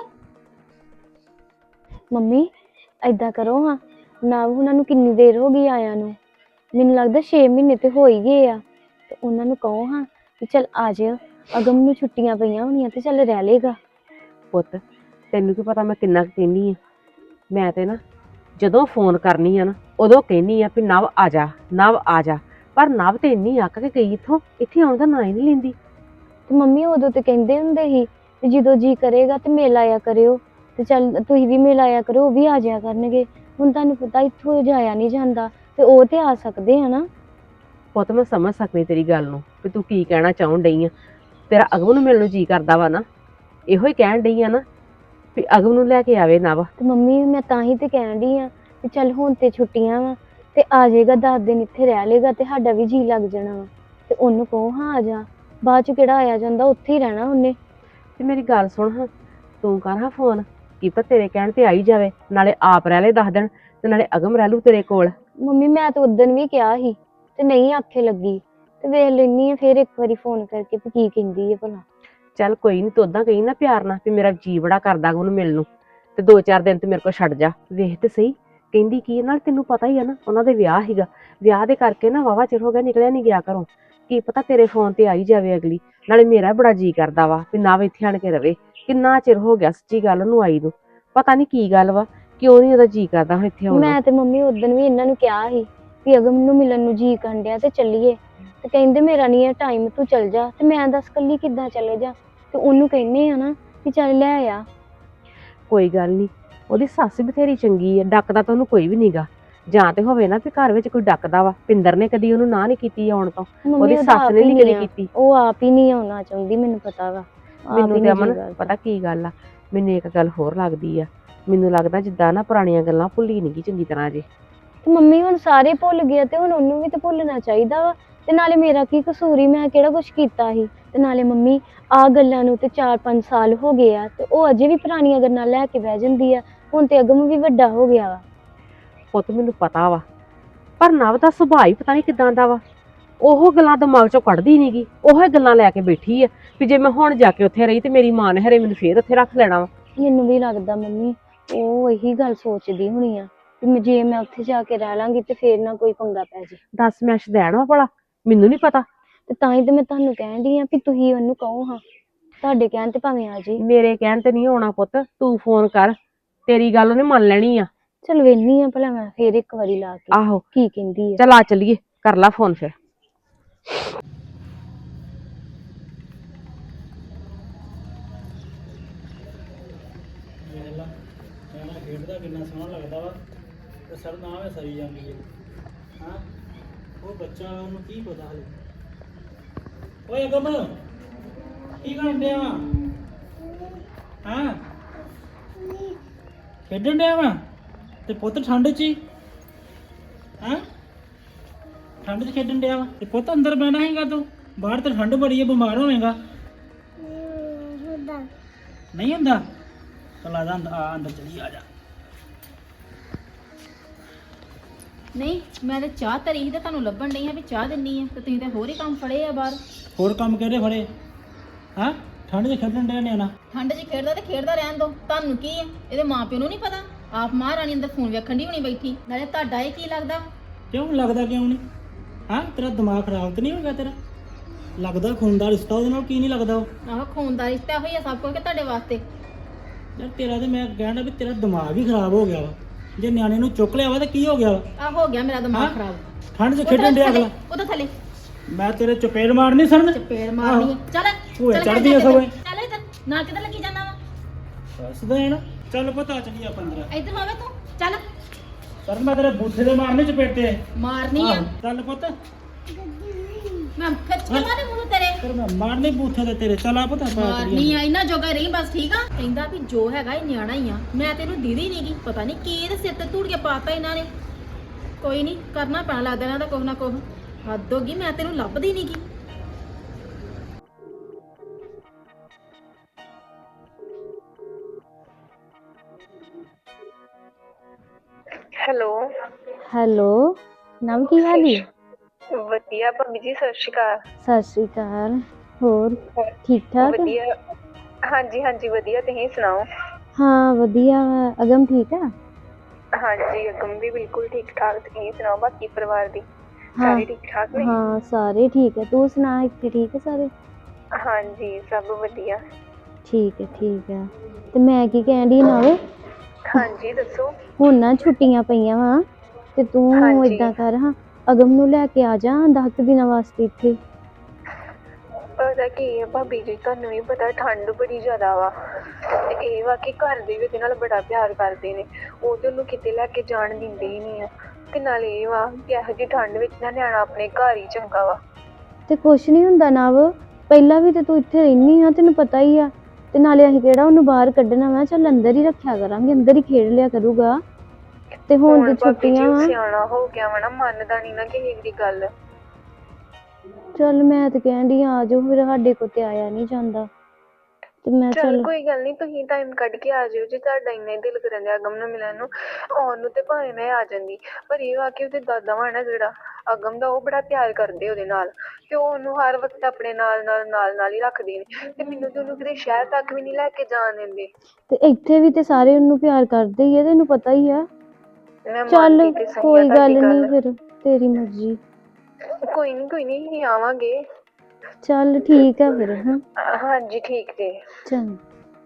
Speaker 8: ਮੰਮੀ ਏਦਾਂ ਕਰੋ ਹਾਂ, ਨਾ ਉਹਨਾਂ ਨੂੰ ਕਿੰਨੀ ਦੇਰ ਹੋ ਗਈ ਆਇਆਂ ਨੂੰ, ਮੈਨੂੰ ਲੱਗਦਾ 6 ਮਹੀਨੇ ਤੇ ਹੋ ਹੀ ਗਏ ਆ। ਤੇ ਉਹਨਾਂ ਨੂੰ ਕਹੋ ਹਾਂ ਕਿ ਚੱਲ ਆ ਜਾਇਓ, ਅਗਮ ਨੂੰ ਛੁੱਟੀਆਂ ਪਈਆਂ ਹੋਣੀਆਂ ਤੇ ਚੱਲ ਰਹਿ ਲੇਗਾ।
Speaker 9: ਪੁੱਤ ਤੈਨੂੰ ਕੀ ਪਤਾ ਮੈਂ ਕਿੰਨਾ ਕੁ ਕਹਿੰਦੀ ਆ। ਮੈਂ ਤੇ ਨਾ ਜਦੋਂ ਫੋਨ ਕਰਨੀ ਆ ਨਾ ਉਦੋਂ ਕਹਿੰਦੀ ਆ ਵੀ ਨਵ ਆ ਜਾ, ਨਵ ਆ ਜਾ, ਪਰ ਨਵ ਤੇ ਇੰਨੀ ਅੱਕ ਕੇ ਗਈ ਇੱਥੇ ਆਉਣ ਦਾ ਨਾਂ ਹੀ ਨਹੀਂ ਲੈਂਦੀ।
Speaker 8: ਤੇ ਮੰਮੀ ਉਦੋਂ ਤੇ ਕਹਿੰਦੇ ਹੁੰਦੇ ਸੀ ਵੀ ਜਦੋਂ ਜੀ ਕਰੇਗਾ ਤੇ ਮਿਲ ਆਇਆ ਕਰਿਓ, ਤੇ ਚੱਲ ਤੁਸੀਂ ਵੀ ਮਿਲ ਆਇਆ ਕਰੋ, ਉਹ ਵੀ ਆ ਜਾਇਆ ਕਰਨਗੇ। ਹੁਣ ਤੁਹਾਨੂੰ ਪਤਾ ਇੱਥੋਂ ਜਾਇਆ ਨਹੀਂ ਜਾਂਦਾ ਤੇ ਉਹ ਤੇ ਆ ਸਕਦੇ ਆ ਨਾ।
Speaker 9: ਪੁੱਤ ਮੈਂ ਸਮਝ ਸਕਦੀ ਤੇਰੀ ਗੱਲ ਨੂੰ ਵੀ ਤੂੰ ਕੀ ਕਹਿਣਾ ਚਾਹੁਣ ਡਈ ਆ। ਤੇਰਾ ਅਗਮ ਨੂੰ ਮਿਲਣ ਨੂੰ ਜੀ ਕਰਦਾ ਵਾ ਨਾ, ਇਹੋ ਹੀ ਕਹਿਣ ਡਈ ਆ ਨਾ ਵੀ ਅਗਮ ਨੂੰ ਲੈ ਕੇ ਆਵੇ ਨਵ।
Speaker 8: ਤੇ ਮੰਮੀ ਮੈਂ ਤਾਂ ਹੀ ਤੇ ਕਹਿਣ ਡਈ ਆ ਵੀ ਚੱਲ ਹੁਣ ਤੇ ਛੁੱਟੀਆਂ ਵਾ ਤੇ ਆ ਜਾਏਗਾ, 10 ਦਿਨ ਇੱਥੇ ਰਹਿ ਲੇਗਾ ਤੇ ਸਾਡਾ ਵੀ ਜੀ ਲੱਗ ਜਾਣਾ ਵਾ। ਤੇ ਉਹਨੂੰ ਕਹੋ ਹਾਂ ਆ ਜਾ, ਬਾਅਦ ਚ ਕਿਹੜਾ ਆਇਆ ਜਾਂਦਾ, ਉੱਥੇ ਹੀ ਰਹਿਣਾ ਉਹਨੇ।
Speaker 9: ਤੇ ਮੇਰੀ ਗੱਲ ਸੁਣ ਹਾਂ, ਤੂੰ ਕਰ ਹਾਂ ਫੋਨ, ਕੀ ਪਤਾ ਤੇਰੇ ਕਹਿਣ ਤੇ ਆਈ ਜਾਵੇ, ਨਾਲੇ ਆਪ ਰਹਿ ਲੈ 10 ਦਿਨ ਤੇ ਨਾਲੇ ਅਗਮ ਰਹਿ ਲੂ ਤੇਰੇ ਕੋਲ।
Speaker 8: ਮੰਮੀ ਮੈਂ ਤਾਂ ਉਦੋਂ ਵੀ ਕਿਹਾ ਸੀ ਤੇ ਨਹੀਂ ਆਖੇ ਲੱਗੀ, ਤੇ ਵੇਖ ਲੈਣੀ ਆ ਫਿਰ ਇੱਕ ਵਾਰੀ ਫੋਨ ਕਰਕੇ ਵੀ ਕੀ ਕਹਿੰਦੀ ਹੈ ਭਲਾ।
Speaker 9: ਚੱਲ ਕੋਈ ਨਹੀਂ, ਤੂੰ ਉਦਾਂ ਕਹੀ ਨਾ ਪਿਆਰ ਨਾਲ ਵੀ ਮੇਰਾ ਜੀ ਬੜਾ ਕਰਦਾ ਉਹਨੂੰ ਮਿਲਣ ਨੂੰ, ਤੇ 2-4 ਦਿਨ ਤੇ ਮੇਰੇ ਕੋਲ ਛੱਡ ਜਾ। ਵੇਖ ਤੇ ਸਹੀ ਕਹਿੰਦੀ ਕੀ, ਨਾਲ ਤੈਨੂੰ ਪਤਾ ਹੀ ਆ ਨਾ ਉਹਨਾਂ ਦੇ ਵਿਆਹ ਸੀਗਾ, ਵਿਆਹ ਦੇ ਕਰਕੇ ਨਾ ਵਾਵਾ ਚਿਰ ਹੋ ਗਿਆ ਨਿਕਲਿਆ ਨਹੀਂ ਗਿਆ ਘਰੋਂ। ਕੀ ਪਤਾ ਤੇਰੇ ਫੋਨ ਤੇ ਆਈ ਜਾਵੇ ਅਗਲੀ, ਨਾਲੇ ਮੇਰਾ ਬੜਾ ਜੀ ਕਰਦਾ ਵਾ ਵੀ ਨਾ ਇੱਥੇ ਆਣ ਕੇ ਰਵੇ। ਕਿੰਨਾ ਚਿਰ ਹੋ ਗਿਆ ਸੱਚੀ ਗੱਲ ਉਹਨੂੰ ਆਈ ਨੂੰ, ਪਤਾ ਨਹੀਂ ਕੀ ਗੱਲ ਵਾ, ਕਿਉਂ ਨਹੀਂ ਉਹਦਾ ਜੀ ਕਰਦਾ ਹੁਣ ਇੱਥੇ ਆਉਣ ਨੂੰ।
Speaker 8: ਮੈਂ ਤੇ ਮੰਮੀ ਉਦੋਂ ਵੀ ਇਹਨਾਂ ਨੂੰ ਕਿਹਾ ਸੀ ਵੀ ਅਗਮ ਨੂੰ ਮਿਲਣ ਨੂੰ ਜੀ ਕਰਨ ਡਿਆ ਤੇ ਚੱਲੀਏ, ਤੇ ਕਹਿੰਦੇ ਮੇਰਾ ਨਹੀਂ ਹੈ ਟਾਈਮ, ਤੂੰ ਚੱਲ ਜਾ। ਤੇ ਮੈਂ ਦੱਸ ਕੱਲੀ ਕਿੱਦਾਂ ਚਲੇ ਜਾ, ਤੇ ਉਹਨੂੰ ਕਹਿੰਦੇ ਆ ਨਾ ਕਿ ਚੱਲ ਲੈ ਆ।
Speaker 9: ਕੋਈ ਗੱਲ ਨਹੀਂ, ਉਹਦੀ ਸੱਸ ਬਥੇਰੀ ਚੰਗੀ ਹੈ, ਡੱਕਦਾ ਤਾਂ ਉਹਨੂੰ ਕੋਈ ਵੀ ਨਹੀਂਗਾ। ਜਾਂ ਤੇ ਹੋਵੇ ਨਾ ਵੀ ਘਰ ਵਿੱਚ ਕੋਈ ਡੱਕਦਾ ਵਾ, ਪਿੰਦਰ ਨੇ ਕਦੀ ਉਹਨੂੰ ਨਾ ਨਹੀਂ ਕੀਤੀ ਆਉਣ ਤੋਂ,
Speaker 8: ਮੰਮੀ
Speaker 9: ਉਹਦੀ
Speaker 8: ਉਹਦਾ
Speaker 9: ਸੱਸ
Speaker 8: ਆਪ
Speaker 9: ਨੇ
Speaker 8: ਹੀ
Speaker 9: ਨਹੀਂ
Speaker 8: ਨੀ
Speaker 9: ਕਦੀ
Speaker 8: ਆ,
Speaker 9: ਕੀਤੀ।
Speaker 8: ਉਹ ਆਪ ਹੀ ਨਹੀਂ ਆਉਣਾ ਚਾਹੁੰਦੀ, ਮੈਨੂੰ ਪਤਾ ਵਾ। ਆਪ
Speaker 9: ਮੈਨੂੰ
Speaker 8: ਹੀ
Speaker 9: ਤੇ
Speaker 8: ਨੀ
Speaker 9: ਅਮਨ
Speaker 8: ਜੀ ਕਰਦਾ।
Speaker 9: ਪਤਾ ਕੀ ਗੱਲ ਆ, ਮੈਨੂੰ ਇੱਕ ਗੱਲ ਹੋਰ ਲੱਗਦੀ ਆ, ਮੈਨੂੰ ਲੱਗਦਾ ਜਿੱਦਾਂ ਨਾ ਪੁਰਾਣੀਆਂ ਗੱਲਾਂ ਭੁੱਲੀ ਨਹੀਂ ਗਈ ਚੰਗੀ ਤਰ੍ਹਾਂ ਜੇ।
Speaker 8: ਤੇ ਮੰਮੀ ਹੁਣ ਸਾਰੇ ਭੁੱਲ ਗਏ ਤੇ ਹੁਣ ਉਹਨੂੰ ਵੀ ਤੇ ਭੁੱਲਣਾ ਚਾਹੀਦਾ ਵਾ। ਤੇ ਨਾਲੇ ਮੇਰਾ ਕੀ ਕਸੂਰ ਹੀ, ਮੈਂ ਕਿਹੜਾ ਕੁਛ ਕੀਤਾ ਸੀ। ਤੇ ਨਾਲੇ ਮੰਮੀ ਆ ਗੱਲਾਂ ਨੂੰ ਤੇ 4-5 ਸਾਲ ਹੋ ਗਏ ਆ ਤੇ ਉਹ ਅਜੇ ਵੀ ਪੁਰਾਣੀਆਂ ਗੱਲਾਂ ਲੈ ਕੇ ਬਹਿ ਜਾਂਦੀ ਆ। ਹੁਣ ਤੇ ਅਗਮ ਵੀ ਵੱਡਾ ਹੋ ਗਿਆ ਵਾ।
Speaker 9: ਪੁੱਤ ਮੈਨੂੰ ਪਤਾ ਵਾ, ਪਰ ਨਵ ਦਾ ਸੁਭਾਅ ਹੀ ਪਤਾ ਨਹੀਂ ਕਿਦਾਂ ਦਾ ਵਾ। ਉਹ ਗੱਲਾਂ ਦਿਮਾਗ ਚੋਂ ਕੱਢਦੀ ਨੀ ਗੀ, ਉਹੋ ਗੱਲਾਂ ਲੈ ਕੇ ਬੈਠੀ ਆ ਵੀ ਜੇ ਮੈਂ ਹੁਣ ਜਾ ਕੇ ਉੱਥੇ ਰਹੀ ਤੇ ਮੇਰੀ ਮਾਂ ਨੇ ਹਰੇ ਮੈਨੂੰ ਫੇਰ ਉੱਥੇ ਰੱਖ ਲੈਣਾ ਵਾ।
Speaker 8: ਮੈਨੂੰ ਵੀ ਲੱਗਦਾ ਮੰਮੀ ਉਹ ਇਹੀ ਗੱਲ ਸੋਚਦੀ ਹੋਣੀ ਆ ਵੀ ਜੇ ਮੈਂ ਉੱਥੇ ਜਾ ਕੇ ਰਹਿ ਲਾਂਗੀ ਤੇ ਫੇਰ ਨਾ ਕੋਈ ਪੰਗਾ ਪੈ ਜੇ।
Speaker 9: ਦੱਸ ਮੈਂ ਸ਼ਦੈਣ ਵਾ ਭਲਾ, ਮੈਨੂੰ ਨਹੀਂ ਪਤਾ।
Speaker 8: ਤੇ ਤਾਂ ਹੀ ਤੇ ਮੈਂ ਤੁਹਾਨੂੰ ਕਹਿਣ ਡਈ ਆ ਵੀ ਤੁਸੀਂ ਉਹਨੂੰ ਕਹੋ ਹਾਂ, ਤੁਹਾਡੇ ਕਹਿਣ ਤੇ ਭਾਵੇਂ ਆ ਜੀ।
Speaker 9: ਮੇਰੇ ਕਹਿਣ ਤੇ ਨਹੀਂ ਆਉਣਾ ਪੁੱਤ, ਤੂੰ ਫੋਨ ਕਰ, ਤੇਰੀ ਗੱਲ ਉਹਨੇ ਮੰਨ ਲੈਣੀ ਆ।
Speaker 8: ਚਲ ਵੇਹਨੀ ਆ ਭਲਾ ਮੈਂ ਫੇਰ ਇੱਕ ਵਾਰੀ ਲਾ ਕੇ
Speaker 9: ਆਹੋ
Speaker 8: ਕੀ ਕਹਿੰਦੀ ਆ।
Speaker 9: ਚੱਲ ਆ ਚੱਲੀਏ, ਕਰ ਲਾ ਫੋਨ ਫਿਰ।
Speaker 7: ਖੇਡਦਾ ਕਿੰਨਾ ਸੋਹਣਾ ਲੱਗਦਾ ਵਾ, ਤੇ ਸਰ ਨਾ ਵੇ ਸਰੀ ਜਾਂਦੀ ਹੈ। ਹਾਂ ਉਹ ਬੱਚਾ ਉਹਨੂੰ ਕੀ ਪਤਾ ਹਲੇ। ਓਏ ਅਗਮ ਕੀ ਕਰਨ ਡਿਆ ਵਾ ਹਾਂ ਖੇਡਣ ਡਿਆ ਵਾ ਤੇ ਪੁੱਤ ਠੰਡ 'ਚ ਹੀ ਹਾਂ ਠੰਡ 'ਚ ਖੇਡਣ ਡਿਆ ਵਾ ਤੇ ਪੁੱਤ ਅੰਦਰ ਬਹਿਣਾ ਹੈਗਾ ਤੂੰ ਬਾਹਰ ਤੇ ਠੰਡ ਬੜੀ ਹੈ ਬਿਮਾਰ ਹੋਵੇਂਗਾ ਨਹੀਂ ਹੁੰਦਾ ਚਲ ਆ ਜਾ ਅੰਦਰ ਚਲੀ ਆ ਜਾ
Speaker 6: ਨਹੀਂ ਮੈਂ ਤੇ ਚਾਹ ਧਰੀ ਸੀ ਤੇ ਤੁਹਾਨੂੰ ਲੱਭਣ ਨਹੀਂ ਆ ਵੀ ਚਾਹ ਦਿੰਨੀ ਆ ਤੇ ਤੁਸੀਂ ਤੇ ਹੋਰ ਹੀ ਕੰਮ ਫੜੇ ਆ ਬਾਹਰ।
Speaker 7: ਹੋਰ ਕੰਮ ਕਿਹੜੇ ਫੜੇ ਹਾਂ ਠੰਡ 'ਚ ਖੇਡਣ ਡਿਆ ਨਿਆਣਾ
Speaker 6: ਠੰਡ 'ਚ ਖੇਡਦਾ ਤੇ ਖੇਡਦਾ ਰਹਿਣ ਦੋ, ਤੁਹਾਨੂੰ ਕੀ ਆ? ਇਹਦੇ ਮਾਪਿਓ ਨੂੰ ਨਹੀਂ ਪਤਾ? ਆਪ ਮਹਾਰਾਣੀ ਅੰਦਰ ਫੋਨ ਵੇਖਣ ਦੀ ਹੋਣੀ ਬੈਠੀ, ਨਾਲੇ ਤੁਹਾਡਾ ਇਹ ਕੀ ਲੱਗਦਾ?
Speaker 7: ਕਿਉਂ ਲੱਗਦਾ ਕਿਉਂ ਨਹੀਂ ਹਾਂ ਤੇਰਾ ਦਿਮਾਗ ਖਰਾਬ ਤੇ ਨਹੀਂ ਹੋ ਗਿਆ ਤੇਰਾ ਲੱਗਦਾ ਖੂਨ ਦਾ ਰਿਸ਼ਤਾ ਉਹਦੇ ਨਾਲ ਕੀ ਨਹੀਂ ਲੱਗਦਾ ਉਹ
Speaker 6: ਆਹੋ ਖੂਨ ਦਾ ਰਿਸ਼ਤਾ ਹੋਈ ਆ ਸਭ ਕੁਝ ਕਿ ਤੁਹਾਡੇ ਵਾਸਤੇ।
Speaker 7: ਯਾਰ ਤੇਰਾ ਤੇ ਮੈਂ ਕਹਿਣਾ ਵੀ ਤੇਰਾ ਦਿਮਾਗ ਹੀ ਖਰਾਬ ਹੋ ਗਿਆ ਵਾ ਜੇ ਨਿਆਣੇ ਨੂੰ ਚੁੱਕ ਲਿਆ ਵਾ ਤਾਂ ਕੀ ਹੋ ਗਿਆ ਵਾ
Speaker 6: ਆ ਹੋ ਗਿਆ ਮੇਰਾ ਦਿਮਾਗ
Speaker 7: ਹਾਂ?
Speaker 6: ਖਰਾਬ।
Speaker 7: ਠੰਡ 'ਚ ਖੇਡਣ ਡਿਆ ਅਗਲਾ
Speaker 6: ਉਹਦਾ ਥੱਲੇ
Speaker 7: ਮੈਂ ਤੇਰੇ ਚਪੇੜ ਮਾਰਨੀ ਸਨ
Speaker 6: ਚਪੇੜ ਮਾਰਨੀ ਆ। ਚੱਲ
Speaker 7: ਭੂਏ
Speaker 6: ਚੱਲ
Speaker 7: ਚੜ੍ਹਦੀ ਆ ਸਗੋਂ ਇਹ।
Speaker 6: ਚੱਲ ਇੱਧਰ ਨਾਲ ਕਿੱਧਰ ਲੱਗੀ ਜਾਣਾ ਵਾ?
Speaker 7: ਦੱਸਦਾ ਹੈ ਨਾ ਚੱਲ ਪਤਾ ਚੱਲੀ ਆਪਾਂ ਅੰਦਰ
Speaker 6: ਇੱਧਰ ਹੋਵੇ ਤੂੰ ਚੱਲ
Speaker 7: ਸਰ ਮੈਂ ਤੇਰੇ ਬੂਥੇ ਦੇ ਮਾਰਨੇ ਚਪੇਟੇ
Speaker 6: ਮਾਰਨੀ ਆ
Speaker 7: ਚੱਲ ਪੁੱਤ
Speaker 6: ਮੈਂ ਖਿੱਚ ਕੇ ਮਾਰੇ ਮੂੰਹ ਤੇਰੇ
Speaker 7: ਫਿਰ ਮੈਂ ਮਾਰਨੇ ਬੂਥੇ ਦੇ ਤੇਰੇ ਚੱਲ ਆ ਪਤਾ ਪਾ
Speaker 6: ਮਾਰਨੀ ਆ ਇਹਨਾਂ ਜੋਗਾ ਰਹੀ ਬਸ ਠੀਕ ਆ। ਕਹਿੰਦਾ ਵੀ ਜੋ ਹੈਗਾ ਇਹ ਨਿਆਣਾ ਹੀ ਆ, ਮੈਂ ਤੈਨੂੰ ਦੀਦੀ ਨਹੀਂਗੀ, ਪਤਾ ਨਹੀਂ ਕੀ ਇਹਦੇ ਸਿਰ ਤੇ ਧੂੜ ਕੇ ਪਾਤਾ ਇਹਨਾਂ ਨੇ। ਕੋਈ ਨਹੀਂ ਕਰਨਾ ਪੈਣਾ ਲੱਗਦਾ ਇਹਨਾਂ ਦਾ ਕੁਛ ਨਾ ਕੁਛ, ਹੱਦ ਹੋ ਗਈ, ਮੈਂ ਤੈਨੂੰ ਲੱਭਦੀ ਨਹੀਂਗੀ।
Speaker 10: ਹੈਲੋ
Speaker 8: ਹੈਲੋ ਨਵ ਕੀ ਹਾਲ ਈ?
Speaker 10: ਵਧੀਆ ਭਾਬੀ ਜੀ, ਸਤਿ ਸ਼੍ਰੀ ਅਕਾਲ।
Speaker 8: ਸਤਿ ਸ਼੍ਰੀ ਅਕਾਲ। ਹੋਰ ਠੀਕ ਠਾਕ?
Speaker 10: ਵਧੀਆ, ਹਾਂਜੀ ਹਾਂਜੀ ਵਧੀਆ, ਤੁਸੀਂ ਸੁਣਾਓ?
Speaker 8: ਹਾਂ ਵਧੀਆ ਵਾ। ਅਗਮ ਠੀਕ ਆ?
Speaker 10: ਹਾਂਜੀ ਅਗਮ ਵੀ ਬਿਲਕੁਲ ਠੀਕ ਠਾਕ। ਤੁਸੀਂ ਸੁਣਾਓ ਬਾਕੀ ਪਰਿਵਾਰ ਦੀ
Speaker 8: ਹਾਂ
Speaker 10: ਸਾਰੇ ਠੀਕ ਠਾਕ ਨੇ?
Speaker 8: ਹਾਂ ਸਾਰੇ ਠੀਕ ਹੈ। ਤੂੰ ਸੁਣਾ ਇੱਥੇ ਠੀਕ ਹੈ ਸਾਰੇ?
Speaker 10: ਹਾਂਜੀ ਸਭ ਵਧੀਆ।
Speaker 8: ਠੀਕ ਹੈ ਤੇ ਮੈਂ ਕੀ ਕਹਿਣ ਡਈ ਨਾਲੇ
Speaker 10: ਹਾਂਜੀ ਦੱਸੋ।
Speaker 8: ਹੁਣ ਨਾ ਛੁੱਟੀਆਂ ਪਈਆਂ ਵਾ ਤੇ ਤੂੰ
Speaker 10: ਹਾਂਜੀ।
Speaker 8: ਏਦਾਂ ਕਰ ਹਾਂ ਅਗਮ ਨੂੰ ਲੈ ਕੇ ਆ ਜਾ 10 ਦਿਨਾਂ ਵਾਸਤੇ ਇੱਥੇ।
Speaker 10: ਪਤਾ ਕੀ ਹੈ ਭਾਬੀ ਜੀ, ਤੁਹਾਨੂੰ ਵੀ ਪਤਾ ਠੰਡ ਬੜੀ ਜ਼ਿਆਦਾ ਵਾ ਤੇ ਇਹ ਵਾ ਕਿ ਘਰ ਦੇ ਵੀ ਉਹਦੇ ਨਾਲ ਬੜਾ ਪਿਆਰ ਕਰਦੇ ਨੇ, ਉਹ ਤੇ ਉਹਨੂੰ ਕਿਤੇ ਲੈ ਕੇ ਜਾਣ ਦਿੰਦੇ ਹੀ ਨਹੀਂ ਆ। ਤੇ ਨਾਲੇ ਇਹ ਵਾ ਕਿ ਇਹੋ ਜਿਹੀ ਠੰਡ ਵਿੱਚ ਨਾ ਨਿਆਣਾ ਆਪਣੇ ਘਰ ਹੀ ਚੰਗਾ ਵਾ।
Speaker 8: ਤੇ ਕੁਛ ਨਹੀਂ ਹੁੰਦਾ ਨਵ, ਪਹਿਲਾਂ ਵੀ ਤੇ ਤੂੰ ਇੱਥੇ ਰਹਿਨੀ ਆ, ਤੈਨੂੰ ਪਤਾ ਹੀ ਆ। ਤੇ ਨਾਲੇ ਅਸੀਂ ਕਿਹੜਾ ਉਹਨੂੰ ਬਾਹਰ ਕੱਢਣਾ ਵਾ, ਚੱਲ ਅੰਦਰ ਹੀ ਰੱਖਿਆ ਕਰਾਂਗੇ, ਅੰਦਰ ਹੀ ਖੇਡ ਲਿਆ ਕਰੂਗਾ। ਤੇ ਹੁਣ ਤੇ
Speaker 10: ਭਾਬੀ ਜੀ
Speaker 8: ਛੁੱਟੀਆਂ
Speaker 10: ਉਹ
Speaker 8: ਵਾ।
Speaker 10: ਸਿਆਣਾ ਹੋ ਗਿਆ ਵਾ ਨਾ, ਮੰਨਦਾ ਨਹੀਂ ਨਾ ਕਿਸੇ ਦੀ ਗੱਲ।
Speaker 8: ਚੱਲ ਮੈਂ ਤੇ ਕਹਿੰਦੀ ਆ ਜਾਓ, ਫਿਰ ਸਾਡੇ ਕੋਲ ਤੇ ਆਇਆ ਨਹੀਂ ਜਾਂਦਾ ਤੇ ਮੈਂ
Speaker 10: ਚੱਲ ਕੋਈ ਗੱਲ ਨਹੀਂ, ਤੁਸੀਂ ਟਾਈਮ ਕੱਢ ਕੇ ਆ ਜਿਓ ਜੇ ਤੁਹਾਡਾ ਇੰਨਾ ਹੀ ਦਿਲ ਕਰਨ ਡਿਆ ਅਗਮ ਨੂੰ ਮਿਲਣ ਨੂੰ। ਆਉਣ ਨੂੰ ਤੇ ਭਾਵੇਂ ਮੈਂ ਆ ਜਾਂਦੀ, ਪਰ ਇਹ ਵਾ ਕਿ ਉਹਦੇ ਦਾਦਾ ਵਾ ਨਾ ਜਿਹੜਾ ਅਗਮ ਦਾ, ਉਹ ਬੜਾ ਪਿਆਰ ਕਰਦੇ ਉਹਦੇ ਨਾਲ ਤੇ ਉਹ ਉਹਨੂੰ ਹਰ ਵਕਤ ਆਪਣੇ ਨਾਲ ਹੀ ਰੱਖਦੇ ਨੇ। ਤੇ ਮੈਨੂੰ ਤੇ ਉਹਨੂੰ ਕਿਤੇ ਸ਼ਹਿਰ ਤੱਕ ਵੀ ਨਹੀਂ ਲੈ ਕੇ ਜਾਣ ਦਿੰਦੇ।
Speaker 8: ਤੇ ਇੱਥੇ ਵੀ ਤੇ ਸਾਰੇ ਉਹਨੂੰ ਪਿਆਰ ਕਰਦੇ ਹੀ ਆ, ਤੈਨੂੰ ਪਤਾ ਹੀ ਆ।
Speaker 10: ਮੈਂ
Speaker 8: ਚੱਲ
Speaker 10: ਮੰਨਦੀ ਤੇ ਸਹੀ ਆ
Speaker 8: ਕੋਈ ਗੱਲ
Speaker 10: ਤੁਹਾਡੀ
Speaker 8: ਨਹੀਂ, ਫਿਰ ਤੇਰੀ ਮਰਜ਼ੀ।
Speaker 10: ਕੋਈ ਨਹੀਂ ਅਸੀਂ ਆਵਾਂਗੇ।
Speaker 8: ਚੱਲ ਠੀਕ ਆ ਫਿਰ। ਹਾਂ
Speaker 10: ਹਾਂਜੀ ਠੀਕ ਜੀ।
Speaker 8: ਚੰਗਾ।